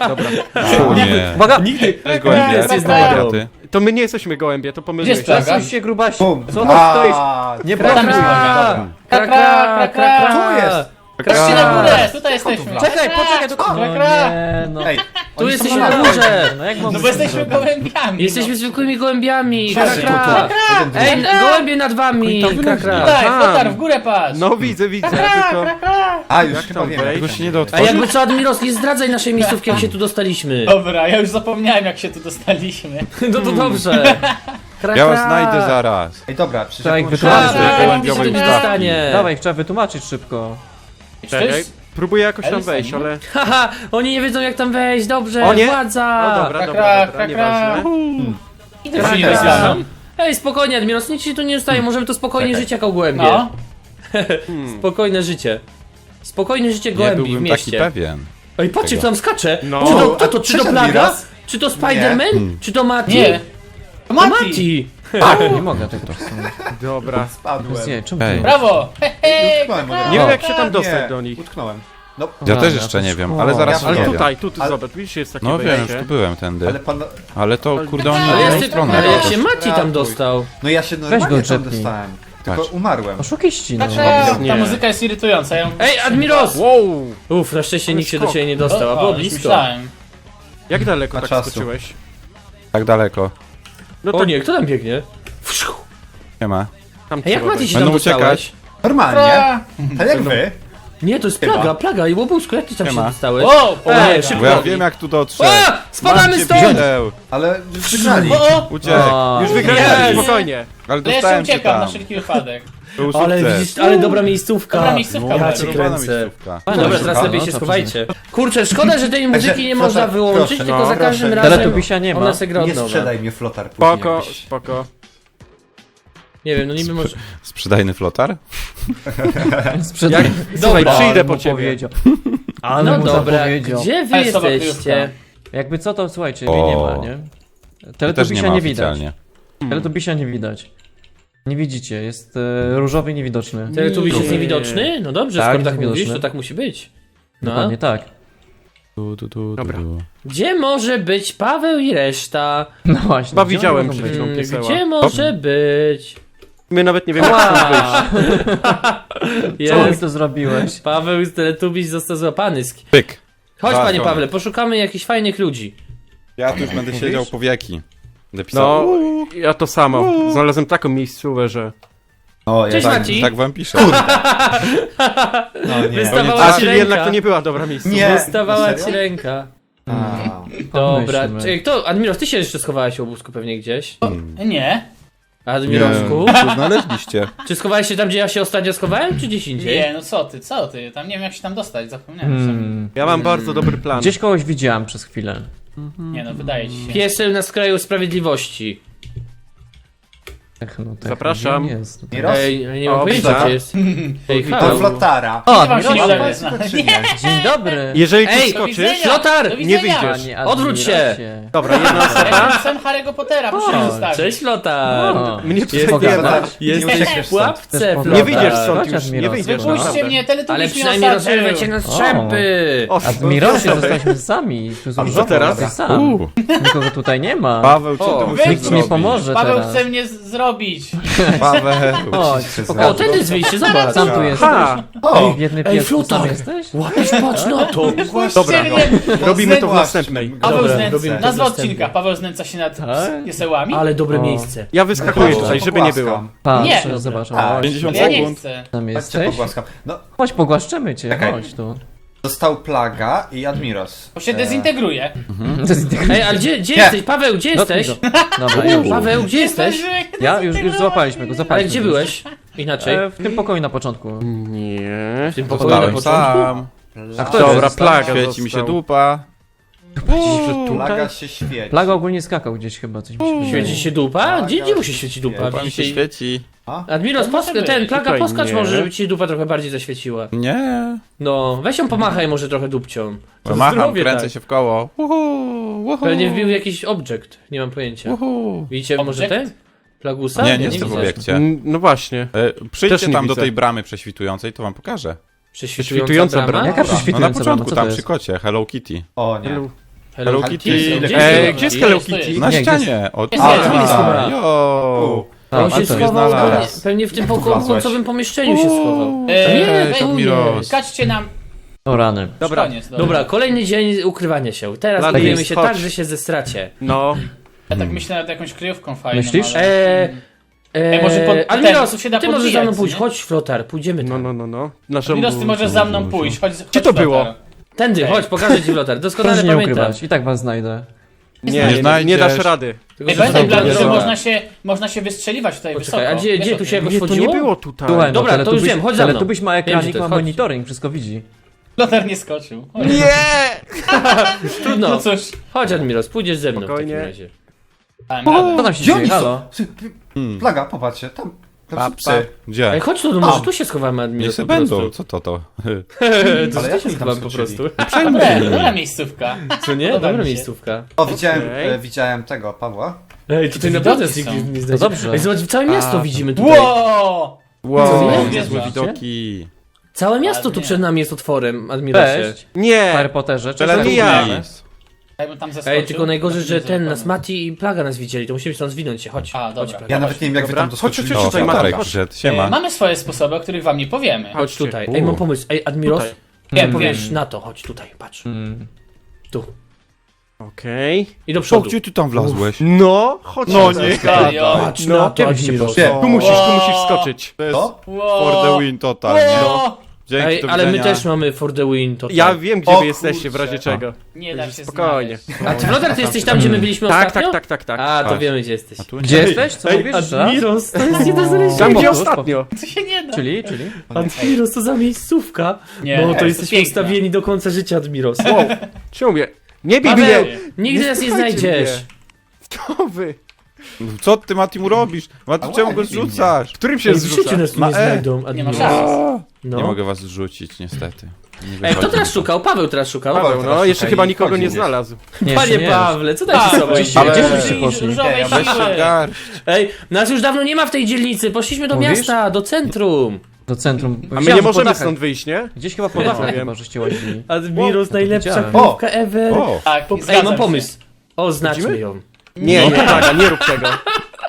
[SPEAKER 3] O nie.
[SPEAKER 1] Uwaga!
[SPEAKER 3] Cześć gołębie.
[SPEAKER 2] Nigdy nie znajdą.
[SPEAKER 3] Ty.
[SPEAKER 5] To my nie jesteśmy gołębie, to pomyliłeś
[SPEAKER 6] Gdzie jest
[SPEAKER 5] się.
[SPEAKER 6] plaga?
[SPEAKER 1] Zasuń się, grubasi!
[SPEAKER 4] Bum.
[SPEAKER 1] Co tam stoisz?
[SPEAKER 4] A,
[SPEAKER 1] Nie
[SPEAKER 6] Kra,
[SPEAKER 1] brakuj!
[SPEAKER 6] kra.
[SPEAKER 2] Kra, kra, kra, kra!
[SPEAKER 4] Tu jest!
[SPEAKER 6] Patrzcie na górę, tutaj jesteśmy.
[SPEAKER 1] Czekaj, poczekaj, to...
[SPEAKER 6] Kra,
[SPEAKER 1] No
[SPEAKER 6] kra.
[SPEAKER 1] nie, no.
[SPEAKER 4] Ej,
[SPEAKER 2] Tu
[SPEAKER 4] oni
[SPEAKER 2] jesteśmy
[SPEAKER 4] są
[SPEAKER 2] na
[SPEAKER 4] dole.
[SPEAKER 2] górze!
[SPEAKER 1] No jak
[SPEAKER 6] No
[SPEAKER 1] mogę
[SPEAKER 6] bo jesteśmy gołębiami.
[SPEAKER 2] Jesteśmy zwykłymi gołębiami! Kra,
[SPEAKER 4] Wszyscy
[SPEAKER 2] kra!
[SPEAKER 4] tutaj.
[SPEAKER 2] Ej, gołębie nad wami! Kra, kra!
[SPEAKER 6] Tutaj,
[SPEAKER 5] Tam.
[SPEAKER 6] Flotar, w górę patrz.
[SPEAKER 5] No widzę, tylko...
[SPEAKER 4] A, już
[SPEAKER 5] Jak
[SPEAKER 4] chyba
[SPEAKER 5] tam
[SPEAKER 4] wiem.
[SPEAKER 5] wejść?
[SPEAKER 3] Tego się nie da
[SPEAKER 2] A
[SPEAKER 3] otworzyć.
[SPEAKER 2] jakby co, Admiros, nie zdradzaj naszej miejscówki, jak się tu dostaliśmy.
[SPEAKER 6] Dobra, ja już zapomniałem jak się tu dostaliśmy.
[SPEAKER 2] No to dobrze. Kra,
[SPEAKER 3] Ja was
[SPEAKER 2] kra.
[SPEAKER 3] znajdę zaraz.
[SPEAKER 4] Ej, dobra, przecież
[SPEAKER 1] Tak,
[SPEAKER 4] jak
[SPEAKER 1] wytłumaczę.
[SPEAKER 2] Kra,
[SPEAKER 3] Swojej
[SPEAKER 2] kra,
[SPEAKER 3] gołębiowej
[SPEAKER 2] nic się tu nie
[SPEAKER 3] ustawki.
[SPEAKER 2] stanie.
[SPEAKER 1] Dawaj, ich trzeba wytłumaczyć szybko.
[SPEAKER 5] Czekaj, próbuję jakoś tam
[SPEAKER 6] Elsa,
[SPEAKER 5] wejść,
[SPEAKER 6] nie?
[SPEAKER 5] ale...
[SPEAKER 2] Haha, oni nie wiedzą jak tam wejść, dobrze,
[SPEAKER 5] O nie?
[SPEAKER 2] władza!
[SPEAKER 5] No dobra,
[SPEAKER 6] Kra,
[SPEAKER 5] dobra,
[SPEAKER 6] kra,
[SPEAKER 5] nieważne.
[SPEAKER 6] Idę
[SPEAKER 2] Kra,
[SPEAKER 6] się nie
[SPEAKER 2] kra.
[SPEAKER 6] wyzwałem.
[SPEAKER 2] Ej, spokojnie, Admiros, nic się tu nie staje, możemy to spokojnie
[SPEAKER 4] Czekaj.
[SPEAKER 2] żyć jako gołębie.
[SPEAKER 6] No.
[SPEAKER 2] Spokojne życie. Spokojne życie
[SPEAKER 3] Nie
[SPEAKER 2] gołębi w
[SPEAKER 3] byłbym taki
[SPEAKER 2] mieście.
[SPEAKER 3] pewien.
[SPEAKER 2] Ej, patrzcie,
[SPEAKER 3] Tego.
[SPEAKER 2] kto tam skacze.
[SPEAKER 5] No.
[SPEAKER 2] Czy to, kto to, czy to
[SPEAKER 4] Cześć,
[SPEAKER 2] Plaga?
[SPEAKER 4] Admiros.
[SPEAKER 2] Czy to Spider-Man? Czy to Mati?
[SPEAKER 6] Nie. To
[SPEAKER 2] To
[SPEAKER 6] Mati.
[SPEAKER 2] Mati!
[SPEAKER 1] Nie mogę tego
[SPEAKER 5] Dobra.
[SPEAKER 4] Spadłem.
[SPEAKER 1] zje. Czemu
[SPEAKER 3] Ej.
[SPEAKER 1] ty?
[SPEAKER 6] Brawo.
[SPEAKER 4] Utknąłem, mogę.
[SPEAKER 5] Nie wiem
[SPEAKER 1] O.
[SPEAKER 5] jak się tam
[SPEAKER 4] Nie,
[SPEAKER 5] dostać do nich.
[SPEAKER 4] Utknąłem. No,
[SPEAKER 3] Ja
[SPEAKER 1] Dobra,
[SPEAKER 3] też jeszcze nie wiem, ale zaraz
[SPEAKER 4] Ja
[SPEAKER 5] Ale
[SPEAKER 3] wiem.
[SPEAKER 5] tutaj, tu
[SPEAKER 4] Ale-
[SPEAKER 5] zobacz, widzisz, jest takie
[SPEAKER 3] No wiem, już
[SPEAKER 5] wejście.
[SPEAKER 3] tu byłem tędy.
[SPEAKER 4] ale pan...
[SPEAKER 3] Ale to kurde oni
[SPEAKER 2] Ale,
[SPEAKER 3] na
[SPEAKER 2] ja
[SPEAKER 3] drugą
[SPEAKER 2] się,
[SPEAKER 3] stronę.
[SPEAKER 2] ale jak
[SPEAKER 3] jakoś.
[SPEAKER 2] się Mati tam dostał?
[SPEAKER 4] No ja się
[SPEAKER 1] go
[SPEAKER 4] normalnie tam
[SPEAKER 1] drzepnij.
[SPEAKER 4] dostałem. Tylko
[SPEAKER 3] Patrz.
[SPEAKER 4] umarłem.
[SPEAKER 1] Oszukiści, no.
[SPEAKER 6] Dlaczego?
[SPEAKER 5] Nie.
[SPEAKER 6] Ta muzyka jest irytująca. Ja
[SPEAKER 2] Ej, Admiros!
[SPEAKER 5] Wow!
[SPEAKER 2] Uff, na szczęście nikt się do
[SPEAKER 5] skok.
[SPEAKER 2] ciebie nie dostał, a było
[SPEAKER 6] już
[SPEAKER 2] blisko.
[SPEAKER 6] myślałem.
[SPEAKER 5] Jak daleko
[SPEAKER 4] Ma
[SPEAKER 5] tak
[SPEAKER 4] czasu.
[SPEAKER 5] skoczyłeś?
[SPEAKER 3] Tak daleko.
[SPEAKER 5] No
[SPEAKER 2] O
[SPEAKER 5] tak,
[SPEAKER 2] nie, kto tam biegnie?
[SPEAKER 3] Nie ma.
[SPEAKER 5] tam
[SPEAKER 2] Ej, jak
[SPEAKER 5] trzeba
[SPEAKER 2] Mati się
[SPEAKER 5] wejść.
[SPEAKER 2] tam
[SPEAKER 3] Będą
[SPEAKER 2] dostałeś?
[SPEAKER 3] uciekać.
[SPEAKER 4] Normalnie.
[SPEAKER 6] Kra.
[SPEAKER 4] Tak jak wy.
[SPEAKER 2] Nie, to jest
[SPEAKER 4] Chyba.
[SPEAKER 2] plaga i łobusko, jak ty tam się
[SPEAKER 3] Siema.
[SPEAKER 2] dostałeś?
[SPEAKER 6] Wow,
[SPEAKER 2] Ej,
[SPEAKER 6] pomaga.
[SPEAKER 2] szybko.
[SPEAKER 3] Bo ja wiem jak tu dotrzeć.
[SPEAKER 2] A! Spadamy
[SPEAKER 3] Mam cię,
[SPEAKER 2] stąd!
[SPEAKER 3] widział.
[SPEAKER 4] Ale wygrali.
[SPEAKER 6] O,
[SPEAKER 3] Uciekł.
[SPEAKER 1] A,
[SPEAKER 5] Już wygraliśmy,
[SPEAKER 2] Yes!
[SPEAKER 5] spokojnie.
[SPEAKER 3] Ale
[SPEAKER 6] to jeszcze
[SPEAKER 3] dostałem cię
[SPEAKER 6] uciekam na
[SPEAKER 3] tam.
[SPEAKER 6] wszelki wypadek.
[SPEAKER 3] Był
[SPEAKER 2] Ale
[SPEAKER 3] sukces.
[SPEAKER 2] widzisz, ale dobra miejscówka.
[SPEAKER 6] Dobra miejscówka,
[SPEAKER 2] Ja
[SPEAKER 6] dobra.
[SPEAKER 2] cię
[SPEAKER 3] Zrobiona
[SPEAKER 2] kręcę.
[SPEAKER 3] miejscówka.
[SPEAKER 2] Dobra,
[SPEAKER 1] Dobra,
[SPEAKER 2] teraz
[SPEAKER 1] no,
[SPEAKER 2] lepiej
[SPEAKER 1] to
[SPEAKER 2] się schowajcie. Kurczę, szkoda, że tej muzyki nie
[SPEAKER 4] Flotar,
[SPEAKER 2] można wyłączyć,
[SPEAKER 4] proszę,
[SPEAKER 2] tylko
[SPEAKER 5] no,
[SPEAKER 2] za każdym
[SPEAKER 4] proszę.
[SPEAKER 2] razem
[SPEAKER 1] Teletubisia nie ma.
[SPEAKER 2] ona se gra od
[SPEAKER 4] Nie
[SPEAKER 2] nowa.
[SPEAKER 4] sprzedaj mnie flotar później.
[SPEAKER 5] Spoko,
[SPEAKER 4] jakbyś-
[SPEAKER 5] spoko.
[SPEAKER 2] Nie wiem, no niby może...
[SPEAKER 3] Sprzedajny flotar?
[SPEAKER 1] Sprzedaj.
[SPEAKER 5] Słuchaj,
[SPEAKER 2] Dobra,
[SPEAKER 5] przyjdę
[SPEAKER 1] Ale
[SPEAKER 5] po
[SPEAKER 1] mu
[SPEAKER 5] ciebie.
[SPEAKER 1] powiedział. Ale
[SPEAKER 2] No
[SPEAKER 1] mu
[SPEAKER 2] dobra,
[SPEAKER 1] zapowiedział.
[SPEAKER 2] gdzie wy
[SPEAKER 6] Ale słowa
[SPEAKER 2] jesteście?
[SPEAKER 1] Jakby co, to słuchajcie, mnie nie ma, nie?
[SPEAKER 3] Też nie
[SPEAKER 1] Teletubisia
[SPEAKER 3] ma
[SPEAKER 1] nie widać.
[SPEAKER 3] oficjalnie.
[SPEAKER 1] Teletubisia nie widać. Nie widzicie, jest różowy i niewidoczny.
[SPEAKER 2] Teletubiś jest
[SPEAKER 5] Nie.
[SPEAKER 2] niewidoczny? No dobrze,
[SPEAKER 1] Tak,
[SPEAKER 2] skoro tak
[SPEAKER 1] niewidoczny.
[SPEAKER 2] mówisz, to tak musi być. No.
[SPEAKER 1] Dokładnie tak.
[SPEAKER 5] Dobra.
[SPEAKER 2] Gdzie może być Paweł i reszta?
[SPEAKER 1] No właśnie.
[SPEAKER 5] Chyba
[SPEAKER 1] gdzie
[SPEAKER 5] widziałem
[SPEAKER 1] oni mogą
[SPEAKER 5] przed
[SPEAKER 1] być?
[SPEAKER 5] chwilą pieseła.
[SPEAKER 2] Gdzie może być?
[SPEAKER 5] My nawet nie wiemy jak tam wyjść.
[SPEAKER 1] Co mi
[SPEAKER 2] Jest.
[SPEAKER 1] to zrobiłeś?
[SPEAKER 2] Paweł z Teletubbies został złapany.
[SPEAKER 3] Pyk.
[SPEAKER 2] Chodź, panie
[SPEAKER 3] Załatwione.
[SPEAKER 2] Pawle, poszukamy jakichś fajnych ludzi.
[SPEAKER 3] Ja tu już będę siedział po wieki. Będę pisał.
[SPEAKER 5] No, ja to samo. Znalazłem taką miejscówę, że...
[SPEAKER 4] O, ja
[SPEAKER 2] Cześć,
[SPEAKER 4] tak,
[SPEAKER 2] Maci.
[SPEAKER 3] Tak wam piszę.
[SPEAKER 4] no nie.
[SPEAKER 2] Wystawała
[SPEAKER 5] A,
[SPEAKER 2] ci
[SPEAKER 5] czyli
[SPEAKER 2] ręka.
[SPEAKER 5] jednak to nie była dobra miejscówka.
[SPEAKER 4] Nie.
[SPEAKER 2] Wystawała
[SPEAKER 4] Serio?
[SPEAKER 2] ci ręka.
[SPEAKER 4] A.
[SPEAKER 2] Dobra,
[SPEAKER 1] Pomyślmy.
[SPEAKER 2] czyli kto? Admiros, ty się jeszcze schowałeś w obózku pewnie gdzieś.
[SPEAKER 6] Nie.
[SPEAKER 2] Admirosku?
[SPEAKER 3] Tu znaleźliście.
[SPEAKER 2] Czy schowałeś się tam, gdzie ja się ostatnio schowałem, czy gdzieś indziej?
[SPEAKER 6] Nie, no co ty? Tam nie wiem jak się tam dostać, zapomniałem sobie.
[SPEAKER 5] Ja mam bardzo dobry plan.
[SPEAKER 1] Gdzieś kogoś widziałem przez chwilę.
[SPEAKER 6] Nie no, wydaje ci się.
[SPEAKER 2] Pieseł na skraju sprawiedliwości.
[SPEAKER 1] Ech, no tak,
[SPEAKER 5] Zapraszam.
[SPEAKER 1] nie jest tutaj.
[SPEAKER 4] Miros?
[SPEAKER 2] Ej, nie mam
[SPEAKER 5] O,
[SPEAKER 2] pojęcia,
[SPEAKER 5] witam.
[SPEAKER 2] gdzie jest. Ej,
[SPEAKER 4] To
[SPEAKER 2] halo.
[SPEAKER 4] flotara.
[SPEAKER 1] O,
[SPEAKER 6] Wam się nie
[SPEAKER 1] Admirosie!
[SPEAKER 6] udaje.
[SPEAKER 1] Dzień dobry!
[SPEAKER 5] Jeżeli tu
[SPEAKER 2] Ej,
[SPEAKER 6] Do
[SPEAKER 5] skoczysz...
[SPEAKER 6] widzenia!
[SPEAKER 2] Flotar!
[SPEAKER 6] Do
[SPEAKER 5] Nie
[SPEAKER 6] widzenia!
[SPEAKER 5] wyjdziesz.
[SPEAKER 1] Panie
[SPEAKER 2] Odwróć się.
[SPEAKER 1] Admirosie.
[SPEAKER 5] Dobra, jedna
[SPEAKER 6] Ja
[SPEAKER 5] osoba.
[SPEAKER 6] jestem sam Harry'ego Pottera, proszę mnie
[SPEAKER 1] O,
[SPEAKER 6] zostawić.
[SPEAKER 2] Cześć, Flotar!
[SPEAKER 1] O,
[SPEAKER 5] Mnie tutaj
[SPEAKER 2] Jest-
[SPEAKER 5] nie ma.
[SPEAKER 2] Jesteś w pułapce,
[SPEAKER 1] Chcesz
[SPEAKER 2] Flotar.
[SPEAKER 5] Nie wyjdziesz stąd
[SPEAKER 1] Chodź,
[SPEAKER 5] już, nie
[SPEAKER 1] Admiros,
[SPEAKER 5] wyjdziesz.
[SPEAKER 1] chodź.
[SPEAKER 6] Puśćcie mnie,
[SPEAKER 2] Ale
[SPEAKER 6] teletubiś mnie
[SPEAKER 2] przynajmniej
[SPEAKER 6] osadził.
[SPEAKER 2] rozerwę cię na strzępy!
[SPEAKER 5] O,
[SPEAKER 1] Admirosie, zostaliśmy sami. Tu jest
[SPEAKER 5] co
[SPEAKER 1] różowo,
[SPEAKER 5] teraz?
[SPEAKER 1] jesteś sam. Nikogo tutaj nie ma.
[SPEAKER 3] Paweł, co
[SPEAKER 2] O,
[SPEAKER 3] ty musisz
[SPEAKER 1] Nikt ci nie
[SPEAKER 3] zrobić?
[SPEAKER 1] pomoże
[SPEAKER 6] Paweł
[SPEAKER 1] teraz.
[SPEAKER 6] chce mnie zrobić.
[SPEAKER 3] Paweł.
[SPEAKER 1] Chodź,
[SPEAKER 2] O, ten jest wyjście, zobacz!
[SPEAKER 1] sam tu jesteś.
[SPEAKER 5] Ha!
[SPEAKER 4] O,
[SPEAKER 1] Biedny
[SPEAKER 2] Ej,
[SPEAKER 1] pies, tu sam
[SPEAKER 2] Flotar.
[SPEAKER 1] jesteś?
[SPEAKER 2] Łapiesz, patrz na to!
[SPEAKER 5] Dobra, no. Robimy to w następnej.
[SPEAKER 6] Paweł
[SPEAKER 2] Dobra,
[SPEAKER 6] znęca.
[SPEAKER 2] robimy to
[SPEAKER 6] Nazwa
[SPEAKER 2] następnie.
[SPEAKER 6] odcinka. Paweł znęca się nad
[SPEAKER 1] Tak?
[SPEAKER 6] piesełami.
[SPEAKER 2] Ale dobre
[SPEAKER 1] O.
[SPEAKER 2] miejsce.
[SPEAKER 5] Ja wyskakuję
[SPEAKER 1] Dobra.
[SPEAKER 5] tutaj, żeby nie było.
[SPEAKER 1] Patrz,
[SPEAKER 6] Nie.
[SPEAKER 1] zobacz.
[SPEAKER 4] Tak.
[SPEAKER 1] o,
[SPEAKER 3] 50
[SPEAKER 6] Ja nie
[SPEAKER 3] sekund.
[SPEAKER 6] chcę.
[SPEAKER 1] tam
[SPEAKER 4] Chodźcie
[SPEAKER 1] jesteś?
[SPEAKER 4] pogłaskam. No,
[SPEAKER 1] Chodź, pogłaszczymy cię,
[SPEAKER 4] Czekaj.
[SPEAKER 1] chodź tu.
[SPEAKER 4] został Plaga i Admiros.
[SPEAKER 6] Bo się dezintegruje.
[SPEAKER 2] Ej, ale gdzie
[SPEAKER 4] Nie.
[SPEAKER 2] jesteś? Paweł, gdzie jesteś?
[SPEAKER 1] Dobra, już.
[SPEAKER 2] Paweł, gdzie jesteś?
[SPEAKER 1] Ja już złapaliśmy go,
[SPEAKER 2] Ale
[SPEAKER 1] złapaliśmy
[SPEAKER 2] gdzie
[SPEAKER 1] go.
[SPEAKER 2] byłeś? Inaczej.
[SPEAKER 1] W tym pokoju na początku.
[SPEAKER 5] Nie.
[SPEAKER 2] W tym pokoju na
[SPEAKER 3] Zostałem
[SPEAKER 2] początku?
[SPEAKER 3] sam.
[SPEAKER 1] A kto
[SPEAKER 5] Dobra,
[SPEAKER 1] jest?
[SPEAKER 5] plaga
[SPEAKER 3] Świeci mi się
[SPEAKER 5] został.
[SPEAKER 3] dupa.
[SPEAKER 4] Plaga się świeci.
[SPEAKER 1] Plaga ogólnie skakał gdzieś chyba, coś mi się wydaje.
[SPEAKER 2] Świeci się dupa? Gdzie mu się świeci dupa?
[SPEAKER 3] Dupa mi się
[SPEAKER 2] Dzisiaj...
[SPEAKER 3] świeci.
[SPEAKER 2] Admiros,
[SPEAKER 6] To może być.
[SPEAKER 2] ten plaga
[SPEAKER 5] Tutaj
[SPEAKER 2] poskacz
[SPEAKER 5] nie.
[SPEAKER 2] może, żeby ci się dupa trochę bardziej zaświeciła.
[SPEAKER 3] Nie.
[SPEAKER 2] No, weź ją pomachaj może trochę dupcią. To
[SPEAKER 3] Macham,
[SPEAKER 2] zdrowie,
[SPEAKER 3] kręcę
[SPEAKER 2] tak.
[SPEAKER 3] się w koło. Uhu.
[SPEAKER 2] Pewnie wbił jakiś objekt, nie mam pojęcia.
[SPEAKER 3] Uhu.
[SPEAKER 2] Widzicie może
[SPEAKER 6] Objekt?
[SPEAKER 2] ten? Plagusa?
[SPEAKER 3] Nie,
[SPEAKER 2] Ja
[SPEAKER 3] nie jestem w
[SPEAKER 2] widzę.
[SPEAKER 3] obiekcie.
[SPEAKER 5] No właśnie.
[SPEAKER 3] Przyjdźcie
[SPEAKER 5] Też nie
[SPEAKER 3] tam do
[SPEAKER 5] widzę.
[SPEAKER 3] tej bramy prześwitującej, to wam pokażę.
[SPEAKER 2] Prześwitująca brama?
[SPEAKER 1] Jaka
[SPEAKER 3] No
[SPEAKER 1] prześwitująca
[SPEAKER 3] na początku
[SPEAKER 1] brama, co
[SPEAKER 3] tam
[SPEAKER 1] to
[SPEAKER 3] przy
[SPEAKER 1] jest?
[SPEAKER 3] kocie, Hello Kitty.
[SPEAKER 4] O nie.
[SPEAKER 3] Hello Kitty.
[SPEAKER 5] Gdzie jest Hello Kitty?
[SPEAKER 3] Na
[SPEAKER 1] Nie,
[SPEAKER 3] ścianie. O,
[SPEAKER 6] Jest,
[SPEAKER 3] a,
[SPEAKER 6] jest, jest,
[SPEAKER 2] chyba.
[SPEAKER 3] Jo.
[SPEAKER 1] A,
[SPEAKER 2] On się
[SPEAKER 1] to
[SPEAKER 2] schował,
[SPEAKER 3] znalazł.
[SPEAKER 2] pewnie w tym
[SPEAKER 4] Wlazłeś.
[SPEAKER 2] końcowym pomieszczeniu się schował.
[SPEAKER 3] Ej,
[SPEAKER 2] to
[SPEAKER 3] to Admiros.
[SPEAKER 6] Kaczcie nam.
[SPEAKER 1] O rany.
[SPEAKER 5] Dobra,
[SPEAKER 6] Koniec,
[SPEAKER 2] Dobra, kolejny dzień ukrywania się. Teraz
[SPEAKER 5] Ladek,
[SPEAKER 2] ukryjemy się
[SPEAKER 5] chodź.
[SPEAKER 2] tak, że się zestracie.
[SPEAKER 5] no.
[SPEAKER 6] Ja tak myślę nad jakąś kryjówką fajną.
[SPEAKER 1] Myślisz?
[SPEAKER 6] Ale... Ej, może pod-
[SPEAKER 2] Admiros,
[SPEAKER 6] ten, tu się da
[SPEAKER 2] ty możesz za
[SPEAKER 6] podbijać,
[SPEAKER 2] mną pójść,
[SPEAKER 6] nie?
[SPEAKER 2] chodź Flotar, pójdziemy tam.
[SPEAKER 5] No. Naszą...
[SPEAKER 6] Admiros, ty możesz za mną pójść. Chodź,
[SPEAKER 5] Gdzie to
[SPEAKER 6] chodź,
[SPEAKER 5] było?
[SPEAKER 6] Flotar.
[SPEAKER 2] Tędy,
[SPEAKER 6] Ej.
[SPEAKER 2] chodź, pokażę ci Flotar, doskonale
[SPEAKER 1] Proszę nie
[SPEAKER 2] pamiętam.
[SPEAKER 1] ukrywać, i tak was znajdę.
[SPEAKER 5] Nie
[SPEAKER 3] znajdziesz.
[SPEAKER 5] dasz rady.
[SPEAKER 2] Tylko,
[SPEAKER 6] Ej,
[SPEAKER 2] że
[SPEAKER 6] pamiętaj,
[SPEAKER 2] są
[SPEAKER 6] Blady, że
[SPEAKER 2] dobra.
[SPEAKER 6] można się wystrzeliwać tutaj
[SPEAKER 2] Poczekaj,
[SPEAKER 6] wysoko.
[SPEAKER 2] a gdzie
[SPEAKER 6] Wiesz o
[SPEAKER 2] tu
[SPEAKER 6] tym?
[SPEAKER 2] się jakoś
[SPEAKER 5] Nie, to
[SPEAKER 2] chodziło?
[SPEAKER 5] nie było tutaj.
[SPEAKER 1] Słuchaj,
[SPEAKER 2] Dobra, to już
[SPEAKER 1] teletubiś-
[SPEAKER 2] wiem, chodź za mną.
[SPEAKER 1] teletubiś ma
[SPEAKER 2] Wiem,
[SPEAKER 1] ekranik,
[SPEAKER 2] gdzie to
[SPEAKER 1] ma
[SPEAKER 2] jest, chodź.
[SPEAKER 1] monitoring, wszystko widzi.
[SPEAKER 6] Flotar nie skoczył. Chodź.
[SPEAKER 2] Trudno.
[SPEAKER 6] No cóż.
[SPEAKER 2] Chodź Admiros, pójdziesz ze mną
[SPEAKER 5] Spokojnie.
[SPEAKER 2] w takim razie.
[SPEAKER 6] Dałem radę.
[SPEAKER 1] Co tam się
[SPEAKER 4] Gdzie oni
[SPEAKER 1] dzieje?
[SPEAKER 4] są?
[SPEAKER 1] Halo?
[SPEAKER 4] Plaga, popatrzcie, tam. Tam są psy.
[SPEAKER 2] Ej,
[SPEAKER 3] Gdzie?
[SPEAKER 2] chodź tu, no może tu się schowamy
[SPEAKER 3] Niech
[SPEAKER 2] Admiros
[SPEAKER 3] se
[SPEAKER 2] po prostu.
[SPEAKER 3] będą. Co to?
[SPEAKER 2] To
[SPEAKER 4] Ale
[SPEAKER 2] tu
[SPEAKER 4] jak
[SPEAKER 2] się
[SPEAKER 4] oni tam
[SPEAKER 2] schowamy po
[SPEAKER 4] skoczyli?
[SPEAKER 2] prostu.
[SPEAKER 6] Dobra miejscówka.
[SPEAKER 2] Co nie?
[SPEAKER 6] Podoba
[SPEAKER 2] Dobra
[SPEAKER 6] mi się.
[SPEAKER 2] miejscówka.
[SPEAKER 4] O, widziałem,
[SPEAKER 5] Okej.
[SPEAKER 4] widziałem tego, Pawła.
[SPEAKER 2] Ej, tutaj
[SPEAKER 6] widoki
[SPEAKER 2] naprawdę
[SPEAKER 6] są.
[SPEAKER 2] nikt nie
[SPEAKER 1] To
[SPEAKER 2] znajdzie.
[SPEAKER 1] dobrze.
[SPEAKER 2] Ej, zobacz, całe miasto widzimy tutaj.
[SPEAKER 6] Wow!
[SPEAKER 3] Wow,
[SPEAKER 6] Co,
[SPEAKER 3] niezłe
[SPEAKER 6] nie?
[SPEAKER 3] widoki.
[SPEAKER 2] Całe miasto tu
[SPEAKER 6] Ładnie.
[SPEAKER 2] przed nami jest otworem, Admirosie.
[SPEAKER 1] Cześć. W
[SPEAKER 5] Nie!
[SPEAKER 1] Harry Potterze, cześć.
[SPEAKER 3] Tyle
[SPEAKER 5] nie ja.
[SPEAKER 6] Ja bym tam
[SPEAKER 2] Ej,
[SPEAKER 6] zeskoczył.
[SPEAKER 2] tylko najgorzej, że ten nas
[SPEAKER 6] ma...
[SPEAKER 2] Mati i Plaga nas widzieli, to musimy stąd zwinąć się, chodź.
[SPEAKER 6] A, dobra.
[SPEAKER 2] Chodź, Plaga.
[SPEAKER 4] Ja nawet nie wiem, jak wy
[SPEAKER 5] Dobra.
[SPEAKER 4] tam doskoczyliście.
[SPEAKER 5] Chodź,
[SPEAKER 3] O,
[SPEAKER 5] tutaj,
[SPEAKER 3] Flotarek
[SPEAKER 5] Maciek,
[SPEAKER 3] przyszedł. Siema.
[SPEAKER 6] Mamy swoje sposoby, o których wam nie powiemy.
[SPEAKER 2] Chodź tutaj.
[SPEAKER 3] U.
[SPEAKER 2] Ej, mam pomysł. Ej, Admiros,
[SPEAKER 5] Tutaj.
[SPEAKER 6] Wiem,
[SPEAKER 2] powiesz
[SPEAKER 6] wiem.
[SPEAKER 2] na to, chodź tutaj, patrz.
[SPEAKER 1] Mm.
[SPEAKER 2] Tu.
[SPEAKER 5] Okej.
[SPEAKER 2] I do
[SPEAKER 3] O,
[SPEAKER 2] przodu.
[SPEAKER 3] gdzie ty tam wlazłeś?
[SPEAKER 5] No, chodź.
[SPEAKER 3] No nie.
[SPEAKER 6] Serio?
[SPEAKER 2] Patrz
[SPEAKER 5] No,
[SPEAKER 2] na to,
[SPEAKER 1] jak byście
[SPEAKER 2] Admiros.
[SPEAKER 1] poszli?
[SPEAKER 5] Tu musisz skoczyć.
[SPEAKER 3] To jest
[SPEAKER 4] To?
[SPEAKER 3] for the win totalnie.
[SPEAKER 6] Wow!
[SPEAKER 3] Dzięki,
[SPEAKER 2] Ej,
[SPEAKER 3] do
[SPEAKER 2] ale my
[SPEAKER 3] widzenia.
[SPEAKER 2] też mamy for the win to.
[SPEAKER 5] Ja wiem, gdzie
[SPEAKER 4] O,
[SPEAKER 5] wy jesteście, w razie
[SPEAKER 4] kurczę.
[SPEAKER 5] czego.
[SPEAKER 6] Nie da się
[SPEAKER 5] Spokojnie.
[SPEAKER 6] znaleźć.
[SPEAKER 2] A ty, Flotar, ty jesteś tam, gdzie my byliśmy
[SPEAKER 5] Tak,
[SPEAKER 2] ostatnio?
[SPEAKER 5] tak.
[SPEAKER 2] A, to
[SPEAKER 3] Chodź.
[SPEAKER 2] wiemy, gdzie jesteś.
[SPEAKER 3] A tu
[SPEAKER 1] Gdzie jesteś? Co mówisz? Jeszcze raz?
[SPEAKER 2] Admiros, to jest nie do
[SPEAKER 5] Tam,
[SPEAKER 2] znalezienia.
[SPEAKER 5] gdzie
[SPEAKER 1] Samochód?
[SPEAKER 5] ostatnio.
[SPEAKER 6] To się nie da.
[SPEAKER 1] Czyli?
[SPEAKER 2] Admiros, to za miejscówka.
[SPEAKER 6] Nie,
[SPEAKER 2] Bo
[SPEAKER 6] jest
[SPEAKER 2] to jesteśmy
[SPEAKER 6] piękna.
[SPEAKER 2] ustawieni do końca życia, Admiros.
[SPEAKER 5] Wow. Czemu mnie? Nie bij
[SPEAKER 2] Paweł,
[SPEAKER 5] mnie!
[SPEAKER 2] nigdy nas nie
[SPEAKER 5] słuchajcie
[SPEAKER 2] znajdziesz.
[SPEAKER 5] mnie. To wy.
[SPEAKER 3] Co ty, Mati, mu robisz? Mati,
[SPEAKER 4] Ała,
[SPEAKER 3] czemu go
[SPEAKER 4] nie bij mnie.
[SPEAKER 3] zrzucasz?
[SPEAKER 5] Którym się
[SPEAKER 2] Ej, w życiu
[SPEAKER 5] zrzuca?
[SPEAKER 2] nas tu
[SPEAKER 3] Ma
[SPEAKER 2] nie
[SPEAKER 3] E.
[SPEAKER 2] znajdą,
[SPEAKER 6] Nie ma
[SPEAKER 2] Admiros.
[SPEAKER 6] szans.
[SPEAKER 2] No.
[SPEAKER 3] Nie mogę was zrzucić, niestety. Nie
[SPEAKER 2] Ej,
[SPEAKER 3] wychodzi
[SPEAKER 2] kto teraz
[SPEAKER 3] mi to.
[SPEAKER 2] szukał? Paweł teraz szukał.
[SPEAKER 5] Paweł, no,
[SPEAKER 4] teraz
[SPEAKER 5] jeszcze
[SPEAKER 4] szukaj
[SPEAKER 5] chyba
[SPEAKER 4] i
[SPEAKER 5] nikogo
[SPEAKER 4] wchodzi
[SPEAKER 5] nie
[SPEAKER 4] gdzieś.
[SPEAKER 5] znalazł.
[SPEAKER 1] Nie,
[SPEAKER 2] Panie
[SPEAKER 1] jeszcze nie.
[SPEAKER 2] Pawle, co dajcie
[SPEAKER 6] Tak,
[SPEAKER 2] sobie?
[SPEAKER 1] oczywiście.
[SPEAKER 3] Ale-
[SPEAKER 1] Gdzie byście poszli?
[SPEAKER 6] Różowej
[SPEAKER 3] Weź się
[SPEAKER 6] siły.
[SPEAKER 3] garść.
[SPEAKER 2] Ej, nas już dawno nie ma w tej dzielnicy, poszliśmy do
[SPEAKER 1] Mówisz?
[SPEAKER 2] miasta, do centrum.
[SPEAKER 1] Do centrum.
[SPEAKER 5] A my
[SPEAKER 1] Widziałem
[SPEAKER 5] nie
[SPEAKER 1] po
[SPEAKER 5] możemy
[SPEAKER 1] dachach.
[SPEAKER 5] stąd wyjść, nie?
[SPEAKER 1] Gdzieś chyba po
[SPEAKER 5] Nie
[SPEAKER 1] dachach
[SPEAKER 5] wiem.
[SPEAKER 1] chyba, żeście łazili.
[SPEAKER 2] Admiros, najlepsza
[SPEAKER 1] widziałem.
[SPEAKER 2] krówka ever.
[SPEAKER 3] O,
[SPEAKER 6] Tak,
[SPEAKER 2] Ej,
[SPEAKER 6] zgadzam
[SPEAKER 2] mam
[SPEAKER 6] się.
[SPEAKER 2] pomysł. Oznaczmy
[SPEAKER 5] Chodzimy?
[SPEAKER 2] ją.
[SPEAKER 5] Nie, nie, Plaga, nie rób tego.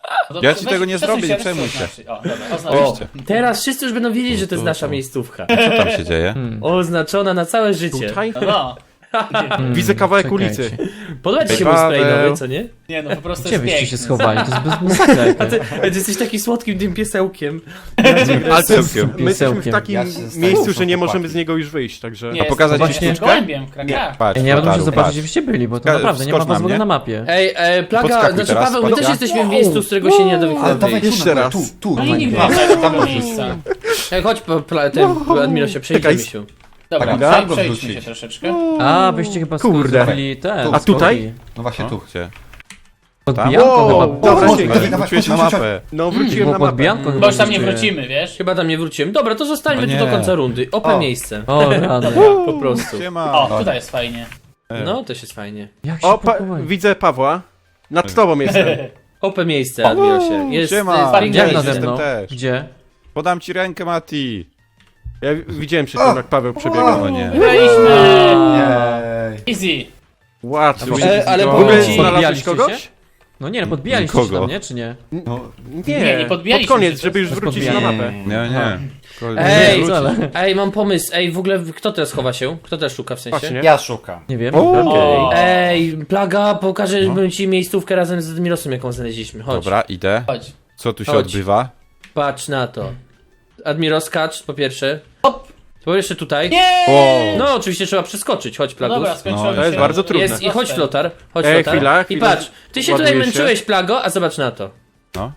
[SPEAKER 6] No
[SPEAKER 3] Ja ci tego nie
[SPEAKER 6] przesuń
[SPEAKER 3] zrobię, nie
[SPEAKER 6] przesuń
[SPEAKER 3] przejmuj się.
[SPEAKER 6] O, dobra,
[SPEAKER 2] O,
[SPEAKER 6] oznaczyście.
[SPEAKER 2] teraz wszyscy już będą wiedzieć, że to jest nasza miejscówka.
[SPEAKER 3] Co tam się dzieje?
[SPEAKER 2] Oznaczona na całe życie.
[SPEAKER 5] Tutaj?
[SPEAKER 6] No,
[SPEAKER 5] Widzę kawałek
[SPEAKER 1] Czekajcie.
[SPEAKER 5] ulicy.
[SPEAKER 2] Podoba ci się
[SPEAKER 3] Ej,
[SPEAKER 2] mój spray
[SPEAKER 3] Paweł.
[SPEAKER 2] nowy, co nie?
[SPEAKER 6] nie no, po prostu
[SPEAKER 1] Gdzie
[SPEAKER 6] jest
[SPEAKER 1] byście
[SPEAKER 6] piękny.
[SPEAKER 1] się schowali? To jest bez masakra jakaś.
[SPEAKER 2] Ty jesteś taki słodkim tym piesełkiem.
[SPEAKER 5] Ale to jest,
[SPEAKER 3] Piesełkiem.
[SPEAKER 5] my jesteśmy w takim
[SPEAKER 4] Ja się zastanawiam,
[SPEAKER 5] miejscu,
[SPEAKER 4] są
[SPEAKER 5] że nie
[SPEAKER 4] chłopaki.
[SPEAKER 5] możemy z niego już wyjść, także...
[SPEAKER 6] Nie,
[SPEAKER 3] A pokazać
[SPEAKER 6] jest
[SPEAKER 3] ci sztuczkę?
[SPEAKER 6] gołębiem, krakach.
[SPEAKER 3] Patrz,
[SPEAKER 1] Ja nie będę muszę
[SPEAKER 3] Flotaru,
[SPEAKER 1] zobaczyć,
[SPEAKER 3] patrz.
[SPEAKER 1] gdzie wyście byli, bo to
[SPEAKER 3] Ska-
[SPEAKER 1] naprawdę nie ma
[SPEAKER 3] skocz
[SPEAKER 1] was
[SPEAKER 3] na
[SPEAKER 1] w ogóle
[SPEAKER 3] mnie.
[SPEAKER 1] na mapie.
[SPEAKER 2] Ej, Plaga,
[SPEAKER 3] Podskakuj
[SPEAKER 2] znaczy
[SPEAKER 3] teraz,
[SPEAKER 2] Paweł, my też
[SPEAKER 3] podskakuj.
[SPEAKER 2] jesteśmy w miejscu, z którego się nie da
[SPEAKER 4] Ale dawaj
[SPEAKER 2] wyjść.
[SPEAKER 5] Jeszcze
[SPEAKER 4] tu,
[SPEAKER 5] raz.
[SPEAKER 4] tu,
[SPEAKER 6] No
[SPEAKER 4] tu.
[SPEAKER 6] i nikt
[SPEAKER 4] Tam,
[SPEAKER 6] nie
[SPEAKER 4] tam
[SPEAKER 6] ma
[SPEAKER 4] wrzuć.
[SPEAKER 6] miejsca.
[SPEAKER 2] Ej, chodź, Admirosie, przejdziemy się.
[SPEAKER 6] Dobra,
[SPEAKER 4] Tak, go
[SPEAKER 6] przejdźmy
[SPEAKER 4] wrzucić.
[SPEAKER 6] się troszeczkę.
[SPEAKER 1] A, wyście chyba
[SPEAKER 5] Kurde.
[SPEAKER 1] zrobili ten.
[SPEAKER 5] A tutaj?
[SPEAKER 4] No właśnie tu.
[SPEAKER 3] Gdzie?
[SPEAKER 1] Podbijanko
[SPEAKER 5] Wow,
[SPEAKER 1] chyba.
[SPEAKER 5] dobra,
[SPEAKER 4] Chodź,
[SPEAKER 5] dzięki.
[SPEAKER 4] dawaj, dawaj,
[SPEAKER 3] Wróciłeś na
[SPEAKER 4] chodź, chodź,
[SPEAKER 3] mapę.
[SPEAKER 5] No, wróciłem
[SPEAKER 1] Było
[SPEAKER 5] na mapę.
[SPEAKER 1] podbijanko chyba.
[SPEAKER 6] Bo już tam nie
[SPEAKER 1] byście.
[SPEAKER 6] wrócimy, wiesz?
[SPEAKER 2] Chyba tam nie wróciłem. Dobra, to zostańmy
[SPEAKER 3] No
[SPEAKER 2] tu do
[SPEAKER 3] nie.
[SPEAKER 2] końca rundy. Ope
[SPEAKER 4] O.
[SPEAKER 2] miejsce.
[SPEAKER 1] O, rany.
[SPEAKER 2] Po prostu.
[SPEAKER 3] Siema.
[SPEAKER 6] O, tutaj jest fajnie.
[SPEAKER 2] No, też jest fajnie.
[SPEAKER 1] Jak się
[SPEAKER 5] O,
[SPEAKER 1] pakowali?
[SPEAKER 5] widzę Pawła. Nad tobą jestem.
[SPEAKER 2] Ope miejsce, Admirosie. Jest
[SPEAKER 3] Siema.
[SPEAKER 2] sparring
[SPEAKER 1] Jak
[SPEAKER 6] Gdzie
[SPEAKER 1] nade
[SPEAKER 3] jestem
[SPEAKER 1] mną?
[SPEAKER 3] też.
[SPEAKER 1] Gdzie?
[SPEAKER 3] Podam ci rękę, Mati.
[SPEAKER 5] Ja widziałem przed tym, jak Paweł przebiegał.
[SPEAKER 3] O nie.
[SPEAKER 6] Byliśmy!
[SPEAKER 4] Jej.
[SPEAKER 6] Easy.
[SPEAKER 5] Łatwo.
[SPEAKER 2] ale
[SPEAKER 5] W
[SPEAKER 2] powiem
[SPEAKER 5] ogóle
[SPEAKER 2] ci-
[SPEAKER 5] znalazłeś
[SPEAKER 1] Podbijaliście
[SPEAKER 5] kogoś?
[SPEAKER 1] się? No nie, no podbijaliście się
[SPEAKER 3] Nikogo.
[SPEAKER 1] tam, nie? Czy nie?
[SPEAKER 4] No,
[SPEAKER 6] Nie, nie podbijaliśmy
[SPEAKER 5] Pod koniec,
[SPEAKER 6] się,
[SPEAKER 5] żeby już
[SPEAKER 1] bez
[SPEAKER 5] wrócić na
[SPEAKER 1] podbijania.
[SPEAKER 5] mapę.
[SPEAKER 3] Nie, nie.
[SPEAKER 2] Ej,
[SPEAKER 1] Nie, ale-
[SPEAKER 2] ej, mam pomysł. Ej, w ogóle kto teraz chowa się? Kto teraz szuka w sensie?
[SPEAKER 5] Właśnie.
[SPEAKER 4] ja szukam.
[SPEAKER 1] Nie wiem.
[SPEAKER 6] O,
[SPEAKER 2] Ej, Plaga, pokażę ci miejscówkę razem z Admirosem, jaką znaleźliśmy. Chodź,
[SPEAKER 3] Dobra, idę.
[SPEAKER 6] chodź.
[SPEAKER 3] Co tu się
[SPEAKER 2] Chodź.
[SPEAKER 3] odbywa?
[SPEAKER 2] patrz na to. Admiros, skacz po pierwsze.
[SPEAKER 6] Hop.
[SPEAKER 2] Po pierwsze tutaj.
[SPEAKER 6] Nie!
[SPEAKER 3] O,
[SPEAKER 2] No, oczywiście trzeba przeskoczyć. Chodź,
[SPEAKER 6] No
[SPEAKER 2] Plagus.
[SPEAKER 6] dobra, skończyło
[SPEAKER 3] No,
[SPEAKER 6] mi
[SPEAKER 5] to jest
[SPEAKER 6] się.
[SPEAKER 5] bardzo trudne.
[SPEAKER 2] Jest, i chodź, Flotar. Chodź,
[SPEAKER 5] Ej,
[SPEAKER 2] Flotar.
[SPEAKER 5] chwila,
[SPEAKER 2] I
[SPEAKER 5] chwila.
[SPEAKER 2] patrz, ty się
[SPEAKER 5] Ładuję
[SPEAKER 2] tutaj
[SPEAKER 5] się.
[SPEAKER 2] męczyłeś, Plago, a zobacz na to.
[SPEAKER 3] no.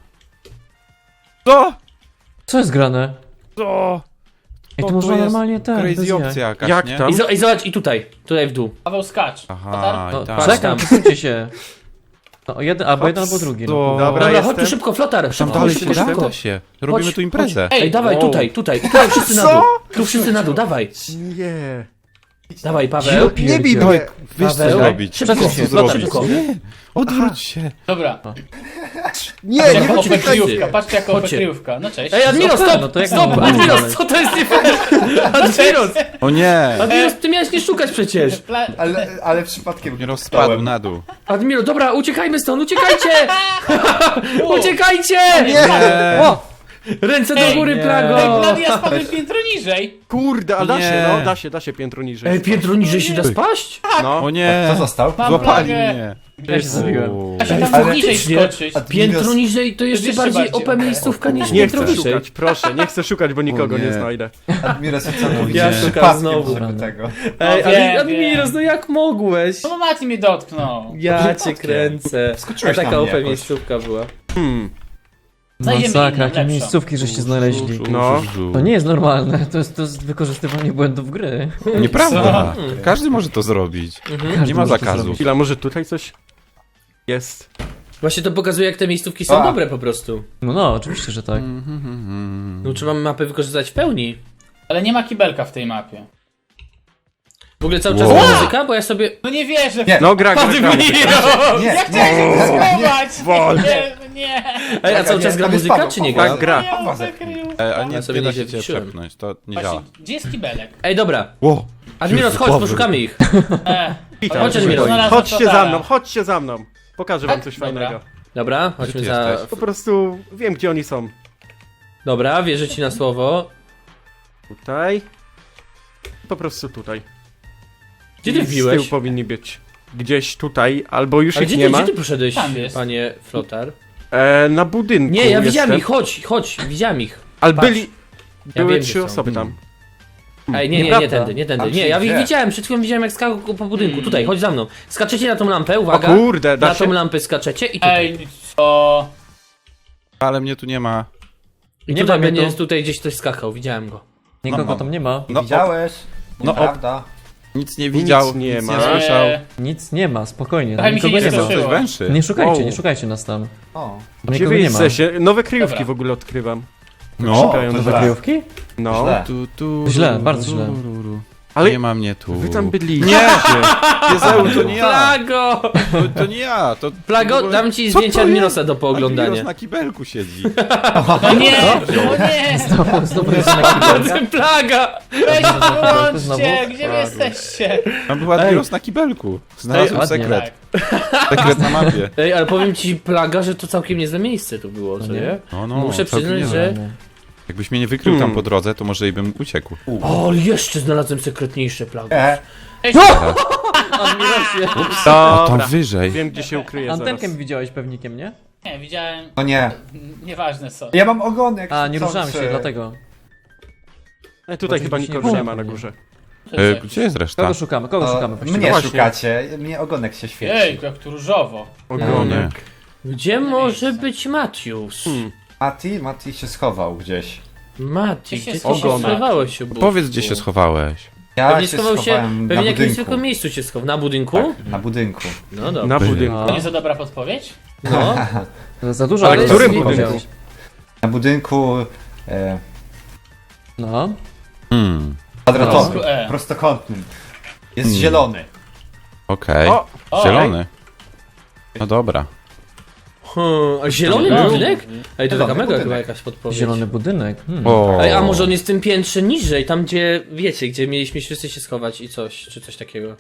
[SPEAKER 5] Co?
[SPEAKER 1] Co jest grane?
[SPEAKER 5] Co?
[SPEAKER 1] Ej, to
[SPEAKER 3] to
[SPEAKER 1] można
[SPEAKER 3] jest
[SPEAKER 1] normalnie ten. bez
[SPEAKER 3] Crazy
[SPEAKER 1] jaj.
[SPEAKER 3] opcja jakaś,
[SPEAKER 5] Jak
[SPEAKER 3] nie?
[SPEAKER 5] tam?
[SPEAKER 2] I zobacz, i tutaj w dół.
[SPEAKER 6] Paweł skacz.
[SPEAKER 3] Aha,
[SPEAKER 2] No,
[SPEAKER 3] i tak.
[SPEAKER 2] patrz
[SPEAKER 1] Czekam,
[SPEAKER 2] tam.
[SPEAKER 1] przesuńcie się. No, jeden, albo jeden, albo drugi. No.
[SPEAKER 3] To-
[SPEAKER 5] Dobra,
[SPEAKER 2] Dobra, chodź
[SPEAKER 5] jestem.
[SPEAKER 2] tu szybko, Flotar.
[SPEAKER 3] Tam
[SPEAKER 2] Szybko,
[SPEAKER 3] dalej się
[SPEAKER 2] szybko,
[SPEAKER 3] da?
[SPEAKER 2] szybko.
[SPEAKER 3] Da się. Robimy
[SPEAKER 2] Chodź,
[SPEAKER 3] tu imprezę.
[SPEAKER 2] Ej, dawaj,
[SPEAKER 5] Wow.
[SPEAKER 2] tutaj, wszyscy na dół. Tu wszyscy na dół, dawaj.
[SPEAKER 5] Nie.
[SPEAKER 2] Dawaj, Paweł.
[SPEAKER 5] Nie bij
[SPEAKER 3] Dawaj,
[SPEAKER 5] mnie.
[SPEAKER 3] wiesz co
[SPEAKER 2] Paweł,
[SPEAKER 3] zrobić.
[SPEAKER 2] szybko,
[SPEAKER 3] Wiesz co
[SPEAKER 2] szybko,
[SPEAKER 3] zrobić.
[SPEAKER 2] szybko.
[SPEAKER 3] Nie, odwróć się.
[SPEAKER 6] Dobra.
[SPEAKER 5] Nie,
[SPEAKER 6] Patrzcie
[SPEAKER 5] nie
[SPEAKER 6] jako
[SPEAKER 5] chodźmy tutaj.
[SPEAKER 6] kryjówka, patrzcie jako
[SPEAKER 2] Chodźcie.
[SPEAKER 6] kryjówka. No cześć.
[SPEAKER 2] Ej, Admiros,
[SPEAKER 1] No
[SPEAKER 2] stop!
[SPEAKER 1] to jak
[SPEAKER 2] Stop!
[SPEAKER 1] mamy
[SPEAKER 2] Admiros,
[SPEAKER 1] dalej?
[SPEAKER 2] co to jest nie fair? Admiros!
[SPEAKER 3] O nie!
[SPEAKER 2] Admiros, ty miałeś nie szukać przecież!
[SPEAKER 4] Ale przypadkiem
[SPEAKER 3] Nie rozpadł na dół.
[SPEAKER 2] Admiro, dobra, uciekajmy stąd, uciekajcie! Uciekajcie!
[SPEAKER 3] Nie!
[SPEAKER 2] Ręce do
[SPEAKER 6] Ej,
[SPEAKER 2] góry,
[SPEAKER 1] nie.
[SPEAKER 2] Plago!
[SPEAKER 6] Ej, ja spadłem piętro niżej.
[SPEAKER 5] Kurde, a da
[SPEAKER 3] Nie.
[SPEAKER 5] się, no, da się piętro niżej.
[SPEAKER 2] Ej, piętro niżej się da spaść?
[SPEAKER 5] No.
[SPEAKER 3] O nie!
[SPEAKER 4] Co został?
[SPEAKER 6] Mam
[SPEAKER 3] Złapali
[SPEAKER 6] plagę.
[SPEAKER 3] mnie.
[SPEAKER 1] Ja się zabiłem.
[SPEAKER 6] Da się tam
[SPEAKER 4] Ale
[SPEAKER 6] niżej
[SPEAKER 2] faktycznie.
[SPEAKER 6] skoczyć.
[SPEAKER 2] Piętro niżej to jeszcze
[SPEAKER 6] Jeszcze
[SPEAKER 2] bardziej
[SPEAKER 6] bardziej.
[SPEAKER 2] OP miejscówka niż
[SPEAKER 5] Nie
[SPEAKER 2] piętro
[SPEAKER 5] chcę
[SPEAKER 2] niżej.
[SPEAKER 5] szukać, proszę, nie chcę szukać, bo nikogo
[SPEAKER 3] O nie.
[SPEAKER 5] nie znajdę.
[SPEAKER 4] Admiros jest całkowicie
[SPEAKER 2] Ja szukam
[SPEAKER 4] przypadkiem,
[SPEAKER 2] znowu.
[SPEAKER 4] żeby tego.
[SPEAKER 2] Ej,
[SPEAKER 6] wiem,
[SPEAKER 2] Admiros, no jak mogłeś?
[SPEAKER 6] No Mati mnie dotknął.
[SPEAKER 2] Ja cię kręcę. A
[SPEAKER 4] Skoczyłeś na
[SPEAKER 2] taka
[SPEAKER 4] mnie
[SPEAKER 2] OP
[SPEAKER 4] jakoś.
[SPEAKER 2] miejscówka była.
[SPEAKER 6] Znajdziemy
[SPEAKER 1] Masakra,
[SPEAKER 6] inną,
[SPEAKER 1] jakie
[SPEAKER 6] lepszą.
[SPEAKER 1] miejscówki żeście znaleźli.
[SPEAKER 5] No.
[SPEAKER 1] To nie jest normalne, to jest wykorzystywanie błędów gry.
[SPEAKER 3] Nieprawda. Każdy może to zrobić.
[SPEAKER 1] Każdy
[SPEAKER 3] Nie ma
[SPEAKER 1] może to
[SPEAKER 3] zakazu.
[SPEAKER 1] zrobić.
[SPEAKER 5] Chwila, może tutaj coś jest?
[SPEAKER 2] Właśnie to pokazuje, jak te miejscówki są
[SPEAKER 4] A.
[SPEAKER 2] dobre po prostu.
[SPEAKER 1] No, oczywiście, że tak.
[SPEAKER 2] No trzeba mapę wykorzystać w pełni.
[SPEAKER 6] Ale nie ma kibelka w tej mapie.
[SPEAKER 2] W ogóle cały czas
[SPEAKER 3] Wow.
[SPEAKER 2] gra muzyka, bo ja sobie...
[SPEAKER 6] No nie wierzę.
[SPEAKER 4] Nie.
[SPEAKER 5] No, gra.
[SPEAKER 4] Nie,
[SPEAKER 6] Ja chciałem się schować.
[SPEAKER 5] Wol.
[SPEAKER 6] Nie.
[SPEAKER 2] Ej, a cały czas gra
[SPEAKER 4] tam jest
[SPEAKER 2] muzyka,
[SPEAKER 4] Paweł,
[SPEAKER 2] czy nie
[SPEAKER 4] Paweł.
[SPEAKER 2] gra?
[SPEAKER 5] Tak, gra.
[SPEAKER 6] Ja
[SPEAKER 4] Paweł.
[SPEAKER 6] zakrył.
[SPEAKER 3] A nie,
[SPEAKER 2] Ja sobie
[SPEAKER 3] nie da
[SPEAKER 2] nie
[SPEAKER 3] się cię
[SPEAKER 2] wpiszyłem.
[SPEAKER 3] przepchnąć, to nie działa.
[SPEAKER 6] Właśnie, gdzie jest kibelek?
[SPEAKER 2] Ej, dobra.
[SPEAKER 3] Ło!
[SPEAKER 2] Admiros, chodź, poszukamy ich.
[SPEAKER 5] Witam.
[SPEAKER 2] Chodź, Admiro.
[SPEAKER 6] Znalazłem
[SPEAKER 5] Chodźcie
[SPEAKER 6] Flotara.
[SPEAKER 5] za mną, chodźcie za mną. Pokażę wam
[SPEAKER 6] Tak?
[SPEAKER 5] coś
[SPEAKER 6] Dobra.
[SPEAKER 5] fajnego.
[SPEAKER 2] Dobra,
[SPEAKER 3] Gdzie
[SPEAKER 2] chodźmy
[SPEAKER 3] ty
[SPEAKER 2] za...
[SPEAKER 3] jesteś?
[SPEAKER 5] Po prostu wiem, gdzie oni są.
[SPEAKER 2] Dobra, wierzę ci na słowo.
[SPEAKER 5] Tutaj. Po prostu tutaj.
[SPEAKER 2] Gdzie ty
[SPEAKER 5] I z tyłu
[SPEAKER 2] wbiłeś?
[SPEAKER 5] powinni być. Gdzieś tutaj, albo już
[SPEAKER 2] A
[SPEAKER 5] ich
[SPEAKER 2] gdzie
[SPEAKER 5] nie ma.
[SPEAKER 2] ty poszedłeś,
[SPEAKER 6] Tam jest.
[SPEAKER 2] panie Flotar?
[SPEAKER 5] Na budynku
[SPEAKER 2] Nie, ja widziałem
[SPEAKER 5] jestem.
[SPEAKER 2] ich, chodź, widziałem ich.
[SPEAKER 5] Ale
[SPEAKER 2] patrz.
[SPEAKER 5] byli... Były
[SPEAKER 2] wiem,
[SPEAKER 5] trzy
[SPEAKER 2] gdzie są.
[SPEAKER 5] osoby tam.
[SPEAKER 2] Ej, nie
[SPEAKER 1] Nieprawda.
[SPEAKER 2] tędy.
[SPEAKER 4] A
[SPEAKER 2] Nie, ja ich
[SPEAKER 4] gdzie?
[SPEAKER 2] widziałem, przed chwilą widziałem jak skakał po budynku. Tutaj, chodź za mną. Skaczecie na tą lampę,
[SPEAKER 5] O
[SPEAKER 2] uwaga.
[SPEAKER 5] kurde, da
[SPEAKER 2] Na
[SPEAKER 5] się?
[SPEAKER 2] tą lampę skaczecie i tutaj.
[SPEAKER 6] Ej, co?
[SPEAKER 3] Ale mnie tu nie ma.
[SPEAKER 2] I
[SPEAKER 1] Nie
[SPEAKER 2] tutaj
[SPEAKER 1] ma mnie
[SPEAKER 2] będzie
[SPEAKER 1] tu.
[SPEAKER 2] tutaj gdzieś ktoś skakał, widziałem go.
[SPEAKER 1] Nikogo
[SPEAKER 3] No,
[SPEAKER 1] tam nie ma.
[SPEAKER 3] No,
[SPEAKER 4] Widziałeś?
[SPEAKER 3] No,
[SPEAKER 4] Nieprawda?
[SPEAKER 3] Nic nie widział,
[SPEAKER 5] nie
[SPEAKER 3] nic
[SPEAKER 5] ma.
[SPEAKER 3] nie słyszał.
[SPEAKER 1] Nic nie ma, spokojnie.
[SPEAKER 6] Trochę
[SPEAKER 1] Tam
[SPEAKER 6] mi się
[SPEAKER 1] nikogo
[SPEAKER 6] nie
[SPEAKER 1] nie ma.
[SPEAKER 6] skończyło.
[SPEAKER 3] Coś węszy.
[SPEAKER 1] Nie szukajcie,
[SPEAKER 5] Wow.
[SPEAKER 1] nie szukajcie nas tam.
[SPEAKER 4] O.
[SPEAKER 1] Tam
[SPEAKER 5] Gdzie
[SPEAKER 1] nikogo
[SPEAKER 5] wy
[SPEAKER 1] nie ma.
[SPEAKER 5] jesteście? Nowe kryjówki
[SPEAKER 6] Dobra.
[SPEAKER 5] w ogóle odkrywam.
[SPEAKER 3] No.
[SPEAKER 5] Szukają
[SPEAKER 4] to
[SPEAKER 5] nowe
[SPEAKER 4] źle.
[SPEAKER 1] Kryjówki?
[SPEAKER 5] No.
[SPEAKER 4] Źle.
[SPEAKER 3] Tu,
[SPEAKER 1] Źle, bardzo źle.
[SPEAKER 5] Ale
[SPEAKER 3] Nie ma mnie tu.
[SPEAKER 5] wy tam byliście.
[SPEAKER 3] Nie! Jezeł, to nie ja!
[SPEAKER 2] Plago!
[SPEAKER 3] To nie ja! To
[SPEAKER 2] Plago, dam ci
[SPEAKER 3] Co
[SPEAKER 2] zdjęcie
[SPEAKER 3] to
[SPEAKER 2] Admirosa do
[SPEAKER 3] Admiros
[SPEAKER 2] pooglądania.
[SPEAKER 3] na kibelku siedzi.
[SPEAKER 6] No nie! O nie!
[SPEAKER 1] Znowu jest na kibelka.
[SPEAKER 2] Plaga!
[SPEAKER 6] Weź
[SPEAKER 1] Znowu?
[SPEAKER 6] wyłączcie! Gdzie wy jesteście?
[SPEAKER 3] Tam był Admiros na kibelku. Znalazłem
[SPEAKER 1] ładnie.
[SPEAKER 3] sekret.
[SPEAKER 6] Tak.
[SPEAKER 3] Sekret na mapie.
[SPEAKER 2] Ej, ale powiem ci, Plaga, że to całkiem niezłe miejsce tu było, co nie?
[SPEAKER 3] No,
[SPEAKER 2] Muszę
[SPEAKER 3] całkiem
[SPEAKER 2] przyznać,
[SPEAKER 3] niezłe.
[SPEAKER 2] że...
[SPEAKER 3] Jakbyś mnie nie wykrył tam po drodze, to może i bym uciekł.
[SPEAKER 2] O, ale jeszcze znalazłem sekretniejsze Plago.
[SPEAKER 1] Admirosie.
[SPEAKER 3] O, tam
[SPEAKER 5] Dobra.
[SPEAKER 3] wyżej.
[SPEAKER 5] Wiem, gdzie się ukryje zaraz.
[SPEAKER 1] Antenkę mi widziałeś pewnikiem, nie?
[SPEAKER 6] Nie, widziałem...
[SPEAKER 4] No nie.
[SPEAKER 6] Nieważne co.
[SPEAKER 4] Ja mam ogonek.
[SPEAKER 1] A, nie ruszałem
[SPEAKER 4] chcący.
[SPEAKER 1] się, dlatego.
[SPEAKER 5] Tutaj chyba nikogo nie ma na
[SPEAKER 6] No
[SPEAKER 5] górze.
[SPEAKER 3] Gdzie jest reszta?
[SPEAKER 1] Kogo szukamy? Kogo
[SPEAKER 4] O,
[SPEAKER 1] szukamy? właściwie?
[SPEAKER 4] mnie
[SPEAKER 5] Właśnie.
[SPEAKER 4] szukacie, mnie ogonek się świeci.
[SPEAKER 6] Jejku, jak tu różowo.
[SPEAKER 5] Ogonek.
[SPEAKER 2] Gdzie może być Matius?
[SPEAKER 4] Mati się schował gdzieś.
[SPEAKER 2] Mati,
[SPEAKER 6] Gdzie się
[SPEAKER 2] gdzie ty się
[SPEAKER 6] schowałeś?
[SPEAKER 2] schowałeś? Obózku?
[SPEAKER 3] Powiedz, gdzie się schowałeś.
[SPEAKER 4] Ja
[SPEAKER 2] Pewnie
[SPEAKER 4] się
[SPEAKER 2] schował się,
[SPEAKER 4] schowałem
[SPEAKER 2] pewnie
[SPEAKER 4] na
[SPEAKER 2] w jakimś
[SPEAKER 4] budynku.
[SPEAKER 2] zwykłym miejscu się schował. Na budynku?
[SPEAKER 4] Tak, na budynku.
[SPEAKER 2] No dobra.
[SPEAKER 5] Na budynku.
[SPEAKER 6] To nie za dobra podpowiedź?
[SPEAKER 2] No.
[SPEAKER 1] Za dużo,
[SPEAKER 5] Ale
[SPEAKER 1] ale
[SPEAKER 5] którym
[SPEAKER 1] jest-
[SPEAKER 5] budynku?
[SPEAKER 1] powiedziałeś.
[SPEAKER 4] Na budynku
[SPEAKER 1] No.
[SPEAKER 4] kwadratowym,
[SPEAKER 6] No. E.
[SPEAKER 4] prostokątnym. Jest zielony.
[SPEAKER 3] Okej.
[SPEAKER 5] O!
[SPEAKER 6] O,
[SPEAKER 3] Zielony. No dobra.
[SPEAKER 2] A zielony
[SPEAKER 6] Zielony.
[SPEAKER 2] budynek? Ej, to taka
[SPEAKER 4] Zielony
[SPEAKER 2] mega
[SPEAKER 4] budynek.
[SPEAKER 2] chyba jakaś podpowiedź.
[SPEAKER 1] Zielony budynek.
[SPEAKER 3] O.
[SPEAKER 2] Ej, a może on jest w tym piętrze niżej, tam gdzie, wiecie, gdzie mieliśmy wszyscy się schować i coś, czy coś takiego.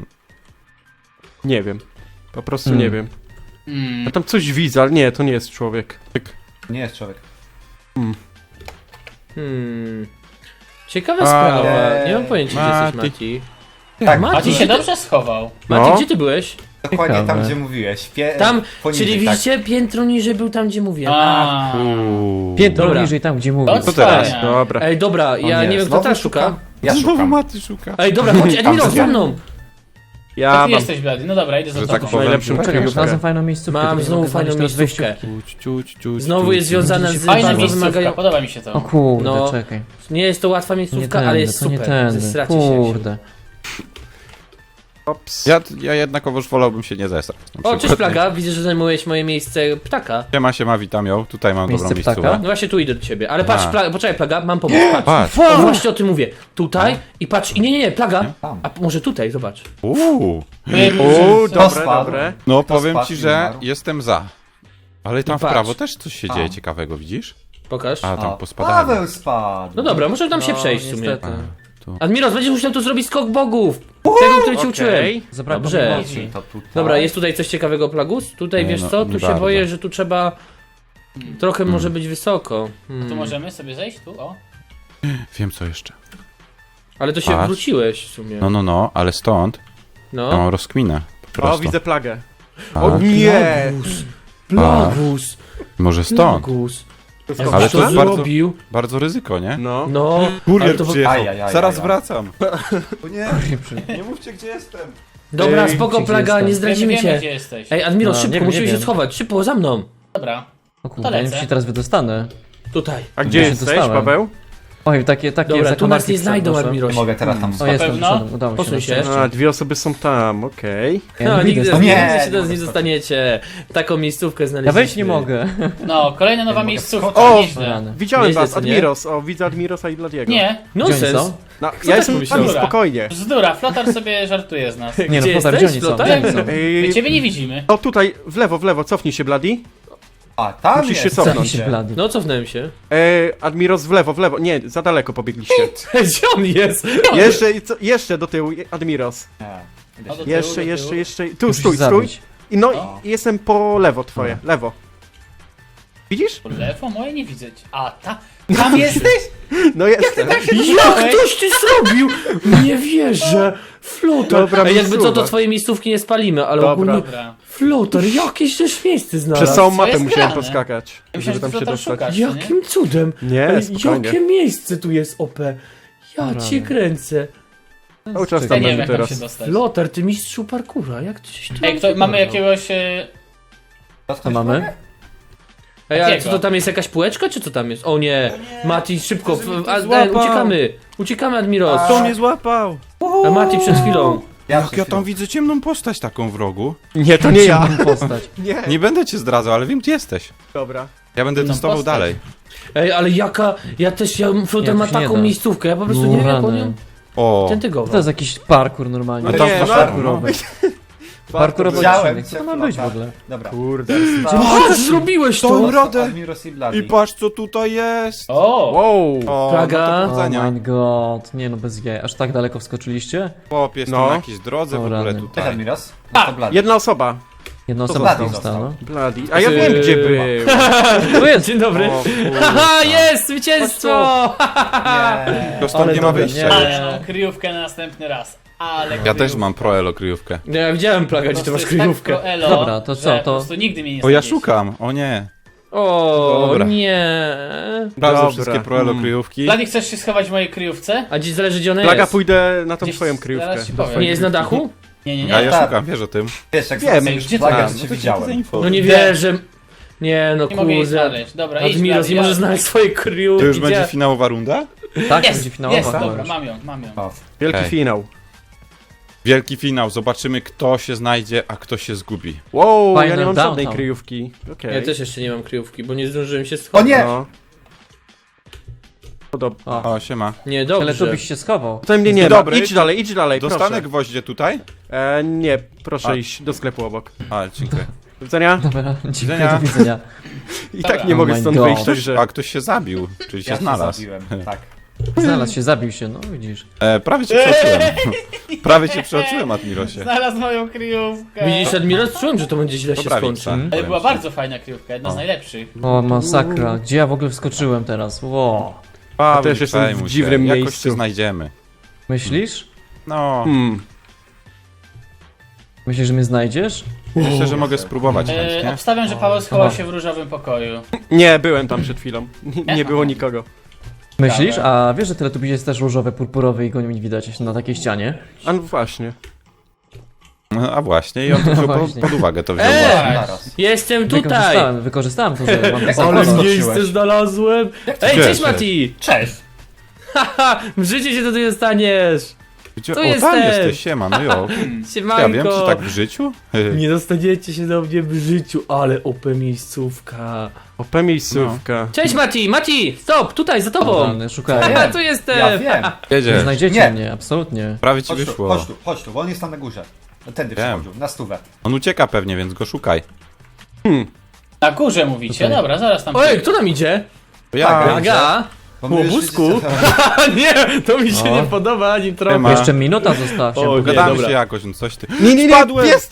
[SPEAKER 5] Nie wiem. Po prostu nie wiem.
[SPEAKER 6] Mm.
[SPEAKER 5] Ja tam coś widzę, ale nie, to nie jest człowiek.
[SPEAKER 4] Nie jest człowiek.
[SPEAKER 2] Ciekawa
[SPEAKER 3] Ale-
[SPEAKER 2] sprawa. Nie mam pojęcia, gdzie jesteś,
[SPEAKER 3] Mati.
[SPEAKER 2] Mati.
[SPEAKER 4] Tak,
[SPEAKER 2] Mati,
[SPEAKER 6] Mati się dobrze schował.
[SPEAKER 2] Mati,
[SPEAKER 5] No.
[SPEAKER 2] gdzie ty byłeś?
[SPEAKER 4] dokładnie tam,
[SPEAKER 1] Ciekawe.
[SPEAKER 4] gdzie mówiłeś.
[SPEAKER 2] Tam,
[SPEAKER 4] poniżej,
[SPEAKER 2] czyli
[SPEAKER 4] tak.
[SPEAKER 2] widzicie, piętro niżej był tam, gdzie mówiłem.
[SPEAKER 6] A,
[SPEAKER 1] Piętro
[SPEAKER 2] Dobra.
[SPEAKER 1] niżej tam, gdzie mówił.
[SPEAKER 6] To
[SPEAKER 3] Co teraz?
[SPEAKER 6] wspaniale.
[SPEAKER 5] Dobra.
[SPEAKER 2] Ej, dobra, ja
[SPEAKER 4] nie,
[SPEAKER 2] nie wiem, kto
[SPEAKER 4] znowu
[SPEAKER 2] teraz szuka.
[SPEAKER 4] Ja
[SPEAKER 3] Znowu
[SPEAKER 4] szukam.
[SPEAKER 3] Maty szuka.
[SPEAKER 2] Ej, dobra, chodź, Admiros,
[SPEAKER 4] gdzie?
[SPEAKER 2] za mną.
[SPEAKER 6] To
[SPEAKER 5] Ja
[SPEAKER 6] ty
[SPEAKER 5] mam.
[SPEAKER 6] jesteś blady. No dobra, idę za
[SPEAKER 3] Że tak
[SPEAKER 6] tobą.
[SPEAKER 3] powiem.
[SPEAKER 5] Najlepszym
[SPEAKER 1] Czekaj, już
[SPEAKER 5] kryjówkę.
[SPEAKER 1] znalazłem fajną miejscówkę.
[SPEAKER 2] Mam
[SPEAKER 1] tylko nie
[SPEAKER 2] znowu
[SPEAKER 1] mogę
[SPEAKER 2] fajną
[SPEAKER 1] znaleźć teraz
[SPEAKER 2] miejscówkę. Znowu jest związane z
[SPEAKER 6] Fajna
[SPEAKER 2] bardzo
[SPEAKER 6] miejscówka,
[SPEAKER 2] wymagają...
[SPEAKER 6] podoba mi się
[SPEAKER 1] O
[SPEAKER 6] to.
[SPEAKER 1] kurde,
[SPEAKER 2] No.
[SPEAKER 1] czekaj.
[SPEAKER 2] Nie jest to łatwa
[SPEAKER 1] Nie
[SPEAKER 2] miejscówka,
[SPEAKER 1] tędy,
[SPEAKER 2] ale jest
[SPEAKER 1] to nie
[SPEAKER 2] super.
[SPEAKER 1] tędy.
[SPEAKER 2] Zestracie się.
[SPEAKER 1] Kurde.
[SPEAKER 5] Ops.
[SPEAKER 3] Ja jednakowoż wolałbym się nie zesrać. na
[SPEAKER 2] O,
[SPEAKER 3] przykład.
[SPEAKER 2] cześć Plaga, widzę, że zajmujesz moje miejsce ptaka.
[SPEAKER 3] Siema, witam ją. Tutaj mam
[SPEAKER 1] Miejsce
[SPEAKER 3] dobrą
[SPEAKER 1] ptaka?
[SPEAKER 3] miejscówkę.
[SPEAKER 2] No właśnie tu idę do ciebie, ale patrz,
[SPEAKER 3] A.
[SPEAKER 2] poczekaj Plaga, mam pomysł, patrz.
[SPEAKER 3] Patrz.
[SPEAKER 2] O, właśnie o tym mówię. Tutaj i patrz, i nie, Plaga.
[SPEAKER 4] Tam.
[SPEAKER 2] A może tutaj, zobacz.
[SPEAKER 3] Uuu.
[SPEAKER 5] Dobre,
[SPEAKER 4] spadł?
[SPEAKER 5] dobre.
[SPEAKER 3] No
[SPEAKER 4] Kto
[SPEAKER 3] powiem
[SPEAKER 4] spadł
[SPEAKER 3] ci,
[SPEAKER 4] i
[SPEAKER 3] że
[SPEAKER 4] umarł?
[SPEAKER 3] jestem za. Ale tam
[SPEAKER 2] I
[SPEAKER 3] w
[SPEAKER 2] patrz.
[SPEAKER 3] prawo też coś się
[SPEAKER 4] A.
[SPEAKER 3] dzieje ciekawego, widzisz?
[SPEAKER 2] Pokaż.
[SPEAKER 3] A, tam
[SPEAKER 4] O,
[SPEAKER 3] pospadałem.
[SPEAKER 4] Paweł spadł.
[SPEAKER 2] No dobra, możemy tam się
[SPEAKER 1] No,
[SPEAKER 2] przejść w sumie.
[SPEAKER 1] niestety.
[SPEAKER 2] Admiros, będziesz musiał tu zrobić skok bogów. Tego, który ci uczyłem.
[SPEAKER 5] Okej.
[SPEAKER 1] Zabrakło
[SPEAKER 2] Dobrze.
[SPEAKER 1] mi mocy.
[SPEAKER 4] To tutaj.
[SPEAKER 2] Dobra, jest tutaj coś ciekawego, Plagus? Tutaj,
[SPEAKER 3] Nie,
[SPEAKER 2] wiesz
[SPEAKER 3] no,
[SPEAKER 2] co,
[SPEAKER 3] nie
[SPEAKER 2] tu się
[SPEAKER 3] bardzo.
[SPEAKER 2] boję, że tu trzeba... Trochę może być wysoko.
[SPEAKER 6] Tu możemy sobie zejść? Tu, o.
[SPEAKER 3] Wiem co jeszcze.
[SPEAKER 2] Ale to się
[SPEAKER 3] Patrz.
[SPEAKER 2] wróciłeś w sumie.
[SPEAKER 3] No, ale stąd ja
[SPEAKER 2] No.
[SPEAKER 3] mam rozkminę. Po
[SPEAKER 5] O,
[SPEAKER 3] prostu.
[SPEAKER 5] widzę plagę.
[SPEAKER 3] A,
[SPEAKER 5] O nie!
[SPEAKER 2] Plagus.
[SPEAKER 3] może stąd.
[SPEAKER 2] Plagus.
[SPEAKER 3] Ale to
[SPEAKER 2] co
[SPEAKER 3] jest bardzo,
[SPEAKER 2] zrobił?
[SPEAKER 3] bardzo ryzyko, nie?
[SPEAKER 5] No.
[SPEAKER 2] No, ale
[SPEAKER 3] Kurier
[SPEAKER 2] to...
[SPEAKER 3] przyjechał.
[SPEAKER 4] Ajajaj,
[SPEAKER 3] Zaraz
[SPEAKER 4] ajaj.
[SPEAKER 3] wracam.
[SPEAKER 4] O nie, nie mówcie gdzie jestem.
[SPEAKER 2] Dobra,
[SPEAKER 5] Ej,
[SPEAKER 2] spoko,
[SPEAKER 1] gdzie
[SPEAKER 2] Plaga,
[SPEAKER 1] jestem?
[SPEAKER 2] nie zdradzimy
[SPEAKER 6] Wiemy,
[SPEAKER 2] cię.
[SPEAKER 6] gdzie jesteś.
[SPEAKER 2] Ej, Admiros,
[SPEAKER 1] No,
[SPEAKER 2] szybko,
[SPEAKER 1] nie wiem,
[SPEAKER 2] musimy
[SPEAKER 1] nie
[SPEAKER 2] się
[SPEAKER 1] wiem.
[SPEAKER 2] schować. Szybko, za mną.
[SPEAKER 6] Dobra.
[SPEAKER 1] O
[SPEAKER 6] To
[SPEAKER 1] kurde, nie wiem,
[SPEAKER 6] lecę.
[SPEAKER 1] czy się teraz wydostanę.
[SPEAKER 2] Tutaj.
[SPEAKER 5] A gdzie
[SPEAKER 1] Ja się
[SPEAKER 5] jesteś,
[SPEAKER 1] dostałem.
[SPEAKER 5] Paweł?
[SPEAKER 1] Oj, takie
[SPEAKER 2] Dobra, tu nas nie znajdą,
[SPEAKER 4] Nie
[SPEAKER 2] Admiros.
[SPEAKER 4] mogę teraz tam
[SPEAKER 1] O,
[SPEAKER 4] schować.
[SPEAKER 1] jestem,
[SPEAKER 6] pewno?
[SPEAKER 1] wszedłem, udało się.
[SPEAKER 2] Posuń
[SPEAKER 1] na
[SPEAKER 2] się.
[SPEAKER 1] szczęście.
[SPEAKER 5] A, dwie osoby są tam, okej.
[SPEAKER 1] Ja
[SPEAKER 2] No,
[SPEAKER 1] nie
[SPEAKER 2] nigdy,
[SPEAKER 1] widzę.
[SPEAKER 4] nie,
[SPEAKER 2] nigdy się
[SPEAKER 4] nie
[SPEAKER 2] nie
[SPEAKER 4] mogę
[SPEAKER 2] dostaniecie. Taką miejscówkę
[SPEAKER 1] Ja
[SPEAKER 2] znaleźliśmy.
[SPEAKER 1] wejść nie mogę.
[SPEAKER 6] No, kolejna nowa
[SPEAKER 4] mogę
[SPEAKER 6] miejscówka.
[SPEAKER 4] wskoczyć.
[SPEAKER 5] O,
[SPEAKER 6] Nieźle.
[SPEAKER 1] Rany.
[SPEAKER 5] Widziałem
[SPEAKER 2] Nieźle,
[SPEAKER 5] was,
[SPEAKER 2] co nie?
[SPEAKER 5] Admiros. O, widzę Admirosa i Bladiego.
[SPEAKER 6] Nie,
[SPEAKER 1] Gdzie oni
[SPEAKER 2] Nonsens.
[SPEAKER 1] są?
[SPEAKER 5] No,
[SPEAKER 2] tak
[SPEAKER 5] ja jestem
[SPEAKER 2] pomyślał?
[SPEAKER 5] tam spokojnie.
[SPEAKER 6] bzdura, Flotar sobie żartuje z nas.
[SPEAKER 1] Nie no,
[SPEAKER 2] Gdzie
[SPEAKER 1] Flotar,
[SPEAKER 2] jesteś,
[SPEAKER 1] gdzie oni są?
[SPEAKER 2] Flotar?
[SPEAKER 1] Gdzie oni są?
[SPEAKER 6] My ciebie nie widzimy.
[SPEAKER 5] O, tutaj, w lewo, cofnij się, Bladi.
[SPEAKER 4] A, tam
[SPEAKER 5] Musisz się
[SPEAKER 4] jest.
[SPEAKER 5] cofnąć.
[SPEAKER 1] Cofnij się, blady.
[SPEAKER 2] No, cofnąłem się.
[SPEAKER 5] Admiros w lewo. Nie, za daleko pobiegliście.
[SPEAKER 2] Gdzie on jest?
[SPEAKER 5] Jeszcze do tyłu, Admiros.
[SPEAKER 4] Nie, idę
[SPEAKER 6] No
[SPEAKER 4] się-
[SPEAKER 6] do tyłu, do
[SPEAKER 5] Jeszcze.
[SPEAKER 1] Musisz
[SPEAKER 5] Tu, stój.
[SPEAKER 1] zabić.
[SPEAKER 5] I no,
[SPEAKER 6] O.
[SPEAKER 5] i jestem po lewo twoje, lewo. Widzisz?
[SPEAKER 6] Po lewo? Moje nie widzę. A, tam jesteś?
[SPEAKER 5] No jestem.
[SPEAKER 2] Jak ktoś ty zrobił? Nie wierzę. Flotar.
[SPEAKER 5] Dobra,
[SPEAKER 2] Ej, jakby co, to
[SPEAKER 5] miejscówka.
[SPEAKER 2] twojej miejscówki nie spalimy, ale
[SPEAKER 5] Dobra.
[SPEAKER 2] ogólnie...
[SPEAKER 6] Dobra.
[SPEAKER 2] Flotar, jakieś też miejsce znalazł.
[SPEAKER 5] Przez całą
[SPEAKER 6] Co
[SPEAKER 5] mapę
[SPEAKER 6] jest
[SPEAKER 5] musiałem
[SPEAKER 6] grane?
[SPEAKER 5] poskakać,
[SPEAKER 6] Ja
[SPEAKER 5] żeby
[SPEAKER 6] myślałem,
[SPEAKER 5] tam
[SPEAKER 6] że
[SPEAKER 5] się
[SPEAKER 6] Flotar
[SPEAKER 5] dostać.
[SPEAKER 6] szukasz, co nie?
[SPEAKER 2] Jakim cudem?
[SPEAKER 5] Nie,
[SPEAKER 2] Ej,
[SPEAKER 5] spokojnie.
[SPEAKER 2] jakie miejsce tu jest, OP? Ja cię kręcę.
[SPEAKER 5] Cały czas
[SPEAKER 6] Ja
[SPEAKER 5] tam
[SPEAKER 6] nie wiem,
[SPEAKER 5] będzie
[SPEAKER 6] jak tam się
[SPEAKER 5] teraz.
[SPEAKER 6] dostać.
[SPEAKER 2] Flotar, ty mistrzu parkura, jak ty się tu
[SPEAKER 6] Ej, mamy jakiegoś...
[SPEAKER 1] Co mamy?
[SPEAKER 2] Ej, ale
[SPEAKER 6] Jakiego?
[SPEAKER 2] co to tam jest jakaś półeczka, czy co tam jest? O nie, Mati, szybko, uciekamy. Uciekamy, Admiros.
[SPEAKER 3] Kto mnie złapał?
[SPEAKER 2] A Mati przed chwilą.
[SPEAKER 3] Jak ja tam widzę ciemną postać taką w rogu.
[SPEAKER 5] Nie, to nie ja.
[SPEAKER 1] Postać.
[SPEAKER 5] Nie.
[SPEAKER 3] Nie będę cię zdradzał, ale wiem gdzie jesteś.
[SPEAKER 5] Dobra.
[SPEAKER 3] Ja będę
[SPEAKER 6] No,
[SPEAKER 3] testował
[SPEAKER 6] postać.
[SPEAKER 3] dalej.
[SPEAKER 2] Ej, ale Flotar
[SPEAKER 1] Nie,
[SPEAKER 2] ma
[SPEAKER 1] to się nie
[SPEAKER 2] taką
[SPEAKER 1] da.
[SPEAKER 2] miejscówkę, ja po prostu
[SPEAKER 1] No
[SPEAKER 2] nie wiem jak on
[SPEAKER 1] rany.
[SPEAKER 2] ją...
[SPEAKER 3] O,
[SPEAKER 2] Tentygowo.
[SPEAKER 1] To jest jakiś parkour normalnie.
[SPEAKER 3] A tam
[SPEAKER 5] Nie,
[SPEAKER 3] masz
[SPEAKER 5] no,
[SPEAKER 1] parkurowy. Parkurowy
[SPEAKER 4] Widziałem
[SPEAKER 1] odcinek.
[SPEAKER 4] cię,
[SPEAKER 1] Co to ma być w
[SPEAKER 4] flota.
[SPEAKER 1] ogóle?
[SPEAKER 4] Dobra.
[SPEAKER 5] Kurde.
[SPEAKER 2] Patrz, zrobiłeś to!
[SPEAKER 5] Tą rodę.
[SPEAKER 4] Admiros i Bloody.
[SPEAKER 3] i patrz co tutaj jest.
[SPEAKER 6] O!
[SPEAKER 5] Wow.
[SPEAKER 3] O,
[SPEAKER 2] Plaga.
[SPEAKER 3] no to
[SPEAKER 1] Oh
[SPEAKER 3] powodzenia.
[SPEAKER 1] my god. Nie no, bez jaj. Aż tak daleko wskoczyliście?
[SPEAKER 3] Chłop, jest
[SPEAKER 5] No.
[SPEAKER 3] na jakiejś drodze w
[SPEAKER 1] O,
[SPEAKER 3] ogóle
[SPEAKER 1] rany.
[SPEAKER 4] Cześć
[SPEAKER 3] tutaj.
[SPEAKER 4] Admiros.
[SPEAKER 6] A,
[SPEAKER 4] To Bloody.
[SPEAKER 5] Jedna osoba.
[SPEAKER 1] Jedna
[SPEAKER 4] To
[SPEAKER 1] osoba
[SPEAKER 4] Bloody
[SPEAKER 1] została, no.
[SPEAKER 5] Bloody. A ja wiem gdzie była.
[SPEAKER 1] Tu jest!
[SPEAKER 2] Dzień dobry.
[SPEAKER 5] O, kurwa.
[SPEAKER 2] Haha, jest! Zwycięstwo!
[SPEAKER 4] Nie.
[SPEAKER 3] To stąd nie ma
[SPEAKER 1] dobra,
[SPEAKER 3] wyjścia.
[SPEAKER 1] nie.
[SPEAKER 6] Ale mam kryjówkę na następny raz. Ale
[SPEAKER 3] Ja też mam pro elo kryjówkę.
[SPEAKER 2] No, ja widziałem Plaga, gdzie ty masz kryjówkę.
[SPEAKER 6] Tak
[SPEAKER 1] Dobra, to co,
[SPEAKER 6] że
[SPEAKER 1] to-
[SPEAKER 6] Po prostu nigdy mnie nie
[SPEAKER 3] O, ja
[SPEAKER 6] znajdziesz.
[SPEAKER 3] szukam, o nie.
[SPEAKER 2] O,
[SPEAKER 3] Dobra.
[SPEAKER 2] nie.
[SPEAKER 3] Sprawdzę
[SPEAKER 5] Dobra.
[SPEAKER 3] wszystkie pro elo kryjówki.
[SPEAKER 6] Bloody, chcesz się schować w mojej kryjówce?
[SPEAKER 2] A gdzie zależy, gdzie ona
[SPEAKER 5] Plaga,
[SPEAKER 2] jest?
[SPEAKER 5] pójdę na tą
[SPEAKER 6] Gdzieś
[SPEAKER 5] twoją
[SPEAKER 6] zaraz
[SPEAKER 5] kryjówkę.
[SPEAKER 6] ci
[SPEAKER 5] Do
[SPEAKER 6] powiem.
[SPEAKER 5] twojej
[SPEAKER 2] Nie jest na
[SPEAKER 5] kryjówki.
[SPEAKER 2] dachu?
[SPEAKER 6] Nie.
[SPEAKER 3] A ja
[SPEAKER 4] tak.
[SPEAKER 3] szukam, wiesz o tym.
[SPEAKER 4] Wiesz, jak
[SPEAKER 5] Wiem,
[SPEAKER 4] zwracam
[SPEAKER 6] gdzie
[SPEAKER 4] flagę,
[SPEAKER 6] ty
[SPEAKER 4] to
[SPEAKER 6] masz?
[SPEAKER 4] cię widziałem.
[SPEAKER 2] No nie wierzę. Nie no,
[SPEAKER 6] Nie mogę jej
[SPEAKER 2] kurde.
[SPEAKER 6] znaleźć. Dobra, idź
[SPEAKER 2] Admiros,
[SPEAKER 6] Bloody,
[SPEAKER 2] nie możesz znaleźć swojej kryjówki.
[SPEAKER 3] To już będzie
[SPEAKER 2] gdzie-
[SPEAKER 3] finałowa runda?
[SPEAKER 1] Tak,
[SPEAKER 6] Jest,
[SPEAKER 1] będzie finałowa.
[SPEAKER 6] jest,
[SPEAKER 1] chyba
[SPEAKER 6] dobra,
[SPEAKER 1] już.
[SPEAKER 6] mam ją.
[SPEAKER 4] O,
[SPEAKER 5] Wielki
[SPEAKER 3] Okej.
[SPEAKER 5] finał.
[SPEAKER 3] Wielki finał, zobaczymy kto się znajdzie, a kto się zgubi.
[SPEAKER 5] Wow, ja
[SPEAKER 1] Final
[SPEAKER 5] nie mam żadnej
[SPEAKER 1] downtown.
[SPEAKER 5] kryjówki. Okej.
[SPEAKER 2] Ja też jeszcze nie mam kryjówki, bo nie zdążyłem się
[SPEAKER 4] O
[SPEAKER 2] schować.
[SPEAKER 4] nie!
[SPEAKER 5] No. Podobno.
[SPEAKER 1] O,
[SPEAKER 3] O, siema.
[SPEAKER 2] Nie,
[SPEAKER 1] ale
[SPEAKER 2] dobrze.
[SPEAKER 1] tu byś się schował.
[SPEAKER 5] Tutaj mnie nie ma.
[SPEAKER 3] Dobry.
[SPEAKER 5] Idź dalej,
[SPEAKER 3] Dostanę
[SPEAKER 5] proszę.
[SPEAKER 3] gwoździe tutaj?
[SPEAKER 5] Nie, proszę
[SPEAKER 3] A.
[SPEAKER 5] iść do sklepu obok.
[SPEAKER 3] A, dziękuję.
[SPEAKER 5] Do widzenia.
[SPEAKER 1] Dobra, dziękuję,
[SPEAKER 3] widzenia.
[SPEAKER 1] do widzenia.
[SPEAKER 5] I
[SPEAKER 6] Dobra.
[SPEAKER 5] tak nie
[SPEAKER 1] Oh
[SPEAKER 5] mogę
[SPEAKER 1] my
[SPEAKER 5] stąd
[SPEAKER 1] God.
[SPEAKER 5] wyjść, także...
[SPEAKER 3] A ktoś się zabił, czyli się
[SPEAKER 4] Ja się
[SPEAKER 3] znalazł.
[SPEAKER 4] zabiłem, tak.
[SPEAKER 1] Znalazł się, zabił się, no widzisz.
[SPEAKER 3] Prawie cię przeoczyłem. Prawie cię przeoczyłem, Admirosie.
[SPEAKER 6] Znalazł moją kryjówkę.
[SPEAKER 2] Widzisz, Admiros, czułem, że to będzie źle się
[SPEAKER 3] Dobra,
[SPEAKER 2] skończy.
[SPEAKER 3] Wiksa.
[SPEAKER 6] Ale
[SPEAKER 3] Powiem
[SPEAKER 6] była
[SPEAKER 3] ci.
[SPEAKER 6] bardzo fajna kryjówka, jedna z najlepszych.
[SPEAKER 1] O, masakra. Gdzie ja w ogóle wskoczyłem teraz? Wow.
[SPEAKER 3] Paweł,
[SPEAKER 5] też jestem w
[SPEAKER 3] przejmuj się.
[SPEAKER 5] dziwnym
[SPEAKER 3] Jakoś
[SPEAKER 5] miejscu.
[SPEAKER 3] się znajdziemy.
[SPEAKER 1] Myślisz?
[SPEAKER 3] No,
[SPEAKER 1] Myślisz, że mnie znajdziesz?
[SPEAKER 3] myślę, że mogę spróbować chętnie.
[SPEAKER 6] Obstawiam, że Paweł schował
[SPEAKER 1] Aha.
[SPEAKER 6] się w różowym pokoju.
[SPEAKER 5] Nie, byłem tam przed chwilą. Nie było nikogo.
[SPEAKER 1] Myślisz?
[SPEAKER 6] Dobra.
[SPEAKER 1] A wiesz, że Teletubbies jest też różowy, purpurowy i go nie widać na takiej ścianie?
[SPEAKER 5] A no właśnie.
[SPEAKER 3] No, a właśnie, i on to wziął
[SPEAKER 1] Właśnie.
[SPEAKER 3] pod uwagę, to wziął
[SPEAKER 2] Eee!
[SPEAKER 3] właśnie.
[SPEAKER 4] Naraz.
[SPEAKER 2] Jestem tutaj!
[SPEAKER 1] Wykorzystałem to, że mam
[SPEAKER 4] Jak
[SPEAKER 1] ten
[SPEAKER 4] Ale
[SPEAKER 2] Ale
[SPEAKER 1] kolor.
[SPEAKER 2] miejsce znalazłem! Ej,
[SPEAKER 3] Gdzie?
[SPEAKER 2] cześć Mati!
[SPEAKER 6] Cześć!
[SPEAKER 2] Haha, w życiu się tutaj dostaniesz!
[SPEAKER 3] Gdzie?
[SPEAKER 2] Tu
[SPEAKER 3] O, tam
[SPEAKER 2] jestem.
[SPEAKER 3] jesteś, siema, no jo.
[SPEAKER 2] Siemanko!
[SPEAKER 3] Ja wiem, czy tak w życiu?
[SPEAKER 2] Nie dostaniecie się do mnie w życiu, ale OP miejscówka.
[SPEAKER 5] OP miejscówka.
[SPEAKER 2] Cześć Mati! Mati! Stop! Tutaj, za tobą!
[SPEAKER 1] Totalny, szukałem.
[SPEAKER 2] Haha, tu jestem!
[SPEAKER 4] Ja wiem.
[SPEAKER 1] Nie
[SPEAKER 3] Jedziesz,
[SPEAKER 1] znajdziecie
[SPEAKER 4] Nie.
[SPEAKER 1] mnie, absolutnie.
[SPEAKER 3] prawie ci
[SPEAKER 4] Chodź tu,
[SPEAKER 3] wyszło.
[SPEAKER 4] chodź tu, bo on jest tam na górze. Tędy
[SPEAKER 3] Wiem.
[SPEAKER 4] przechodził, na stówę.
[SPEAKER 3] On ucieka pewnie, więc go szukaj.
[SPEAKER 6] Na górze mówicie,
[SPEAKER 1] Tutaj.
[SPEAKER 6] dobra, zaraz tam...
[SPEAKER 2] Ojej, kto tam idzie?
[SPEAKER 3] To ja
[SPEAKER 4] Tak,
[SPEAKER 3] będzie.
[SPEAKER 2] Aga!
[SPEAKER 4] Bo my już
[SPEAKER 2] Łobuzku?
[SPEAKER 4] widzicie-
[SPEAKER 2] A nie, to mi się
[SPEAKER 1] O.
[SPEAKER 2] nie podoba ani trochę.
[SPEAKER 3] Siema.
[SPEAKER 1] Jeszcze minuta została, chciałem
[SPEAKER 2] O,
[SPEAKER 1] powiedzieć.
[SPEAKER 3] Pogadamy
[SPEAKER 2] dobra.
[SPEAKER 3] się jakoś, no coś ty.
[SPEAKER 5] Nie, pies!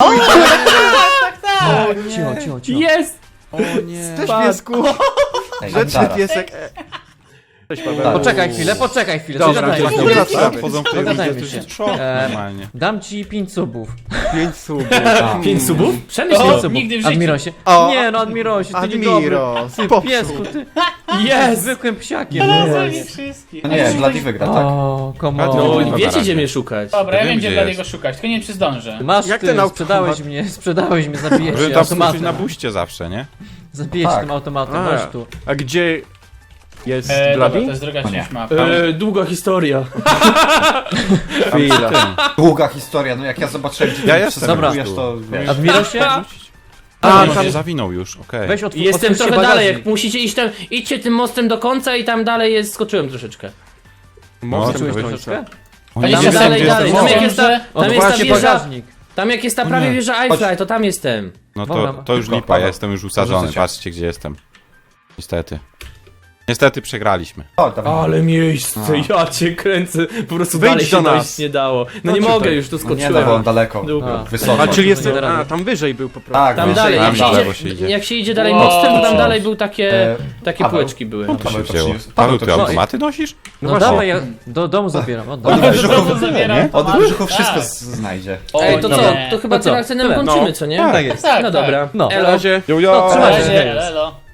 [SPEAKER 1] Cicho.
[SPEAKER 2] Jest!
[SPEAKER 3] O nie.
[SPEAKER 5] Też
[SPEAKER 2] Spadł.
[SPEAKER 5] piesku!
[SPEAKER 4] Ej,
[SPEAKER 5] Rzeczny
[SPEAKER 4] zaraz.
[SPEAKER 5] piesek. Cześć Paweł.
[SPEAKER 4] Tak.
[SPEAKER 1] Poczekaj chwilę,
[SPEAKER 5] Dobra,
[SPEAKER 1] zagadajmy
[SPEAKER 5] gdzieś
[SPEAKER 1] się.
[SPEAKER 5] tu
[SPEAKER 3] Dobra,
[SPEAKER 5] wracamy.
[SPEAKER 3] wchodzą w tej
[SPEAKER 1] Dogadajmy
[SPEAKER 3] ludzie, to
[SPEAKER 1] się.
[SPEAKER 3] jest szok normalnie.
[SPEAKER 1] Dam ci 5 subów.
[SPEAKER 5] 5 subów.
[SPEAKER 2] 5 subów? Przemyśl
[SPEAKER 6] O,
[SPEAKER 2] to.
[SPEAKER 6] nigdy w życiu.
[SPEAKER 1] Admirosie.
[SPEAKER 5] O,
[SPEAKER 1] Nie no, Admirosie, ty niedobry.
[SPEAKER 5] Admiro,
[SPEAKER 1] Ty
[SPEAKER 5] popsuł.
[SPEAKER 1] piesku, ty
[SPEAKER 2] Jest!
[SPEAKER 1] zwykłym psiakiem.
[SPEAKER 6] Znalazłem
[SPEAKER 1] Nie.
[SPEAKER 6] ich wszystkich.
[SPEAKER 4] No nie, Bloody wygra, tak?
[SPEAKER 1] O, come
[SPEAKER 3] No,
[SPEAKER 2] No,
[SPEAKER 1] on.
[SPEAKER 3] Dobra,
[SPEAKER 2] wiecie
[SPEAKER 3] razie.
[SPEAKER 2] gdzie mnie szukać.
[SPEAKER 6] Dobra, ja
[SPEAKER 3] Wiem,
[SPEAKER 6] wiem gdzie
[SPEAKER 3] gdzie
[SPEAKER 6] Bladiego
[SPEAKER 3] jest.
[SPEAKER 6] szukać, tylko nie wiem czy zdążę.
[SPEAKER 1] Masz
[SPEAKER 5] Jak
[SPEAKER 1] ty,
[SPEAKER 5] ten
[SPEAKER 1] sprzedałeś mnie, zabijesz
[SPEAKER 3] Możemy
[SPEAKER 1] się
[SPEAKER 3] tam skoczyć
[SPEAKER 1] automatem.
[SPEAKER 3] na buście zawsze, nie?
[SPEAKER 1] Zabijesz się
[SPEAKER 4] Tak.
[SPEAKER 1] tym automatem,
[SPEAKER 5] A.
[SPEAKER 1] chodź tu.
[SPEAKER 5] A gdzie jest
[SPEAKER 6] Dobra, to
[SPEAKER 5] Bloody?
[SPEAKER 6] jest druga
[SPEAKER 4] O nie.
[SPEAKER 6] część mapy.
[SPEAKER 2] Długa historia.
[SPEAKER 5] Chwila.
[SPEAKER 4] Długa historia, no jak ja zobaczyłem, gdzie
[SPEAKER 3] Ja
[SPEAKER 4] ty
[SPEAKER 3] jestem
[SPEAKER 4] przeskakujesz,
[SPEAKER 3] już
[SPEAKER 4] to wiesz.
[SPEAKER 1] Admirosie,
[SPEAKER 5] A,
[SPEAKER 3] On
[SPEAKER 5] tam
[SPEAKER 3] się zawinął już, okej.
[SPEAKER 1] weź
[SPEAKER 2] Jestem
[SPEAKER 1] otwórz
[SPEAKER 2] trochę dalej,
[SPEAKER 1] bagażnik.
[SPEAKER 2] jak musicie iść tam, idźcie tym mostem do końca i tam dalej jest, skoczyłem troszeczkę.
[SPEAKER 5] Mostem
[SPEAKER 1] Czułeś
[SPEAKER 5] do
[SPEAKER 1] troszeczkę?
[SPEAKER 5] końca.
[SPEAKER 3] O
[SPEAKER 6] Ale
[SPEAKER 3] nie,
[SPEAKER 2] Tam
[SPEAKER 6] się
[SPEAKER 3] wiem,
[SPEAKER 2] dalej,
[SPEAKER 3] gdzie
[SPEAKER 2] dalej,
[SPEAKER 3] jestem.
[SPEAKER 2] tam
[SPEAKER 3] O,
[SPEAKER 2] jak jest ta, tam jest ta
[SPEAKER 1] Otwórzcie
[SPEAKER 2] wieża,
[SPEAKER 1] bagażnik.
[SPEAKER 2] tam jak jest ta prawie
[SPEAKER 3] Nie.
[SPEAKER 2] wieża Eiffla, to tam jestem.
[SPEAKER 3] No
[SPEAKER 1] Dobra.
[SPEAKER 3] to już
[SPEAKER 4] Szybko,
[SPEAKER 3] lipa,
[SPEAKER 4] Paweł.
[SPEAKER 3] ja jestem już usadzony,
[SPEAKER 4] Dorzucę cię.
[SPEAKER 3] patrzcie gdzie jestem. Niestety. Niestety przegraliśmy.
[SPEAKER 4] O, dawaj.
[SPEAKER 2] Ale miejsce, ja cię kręcę, po prostu
[SPEAKER 5] Wyjdź
[SPEAKER 2] dalej
[SPEAKER 5] do
[SPEAKER 2] się
[SPEAKER 5] nas.
[SPEAKER 2] dojść nie dało. No nie
[SPEAKER 5] Chodź
[SPEAKER 2] mogę,
[SPEAKER 5] tutaj.
[SPEAKER 2] już tu
[SPEAKER 4] No nie, no bo on
[SPEAKER 2] skoczyłem.
[SPEAKER 4] daleko.
[SPEAKER 2] Dobra.
[SPEAKER 4] Wysoko.
[SPEAKER 5] A, czyli
[SPEAKER 1] nie
[SPEAKER 5] jestem...
[SPEAKER 1] da rady.
[SPEAKER 5] A, tam wyżej był po prostu.
[SPEAKER 4] Tak,
[SPEAKER 2] Tam
[SPEAKER 4] wyżej,
[SPEAKER 2] dalej,
[SPEAKER 3] tam
[SPEAKER 2] jak
[SPEAKER 3] na
[SPEAKER 2] się,
[SPEAKER 3] lewo się
[SPEAKER 2] idzie,
[SPEAKER 3] idzie.
[SPEAKER 2] jak się idzie dalej
[SPEAKER 6] Wow.
[SPEAKER 2] mostem, to tam dalej był takie
[SPEAKER 4] Paweł.
[SPEAKER 2] półeczki były.
[SPEAKER 3] To się
[SPEAKER 4] Paweł to
[SPEAKER 3] wzięło.
[SPEAKER 4] przyniósł.
[SPEAKER 3] Paweł, ty
[SPEAKER 1] No i-
[SPEAKER 3] automaty nosisz?
[SPEAKER 1] No
[SPEAKER 5] właśnie.
[SPEAKER 1] dawaj, ja do domu zabieram,
[SPEAKER 4] Od
[SPEAKER 1] oddam.
[SPEAKER 4] brzuchów
[SPEAKER 6] zabieram.
[SPEAKER 4] Od brzuchów
[SPEAKER 6] Tak.
[SPEAKER 4] wszystko znajdzie.
[SPEAKER 6] O,
[SPEAKER 2] Ej, to
[SPEAKER 6] nie.
[SPEAKER 2] co? To chyba
[SPEAKER 1] To co?
[SPEAKER 2] tym akcentem
[SPEAKER 1] Tyle.
[SPEAKER 2] kończymy,
[SPEAKER 5] No.
[SPEAKER 2] co nie?
[SPEAKER 3] Tak.
[SPEAKER 1] Tak jest.
[SPEAKER 6] Tak,
[SPEAKER 2] No
[SPEAKER 6] tak.
[SPEAKER 2] dobra.
[SPEAKER 1] No.
[SPEAKER 5] Na
[SPEAKER 2] Elo.
[SPEAKER 5] razie.
[SPEAKER 3] Jo,
[SPEAKER 1] No,
[SPEAKER 3] jo!
[SPEAKER 1] trzymaj się.
[SPEAKER 6] Elo, elo.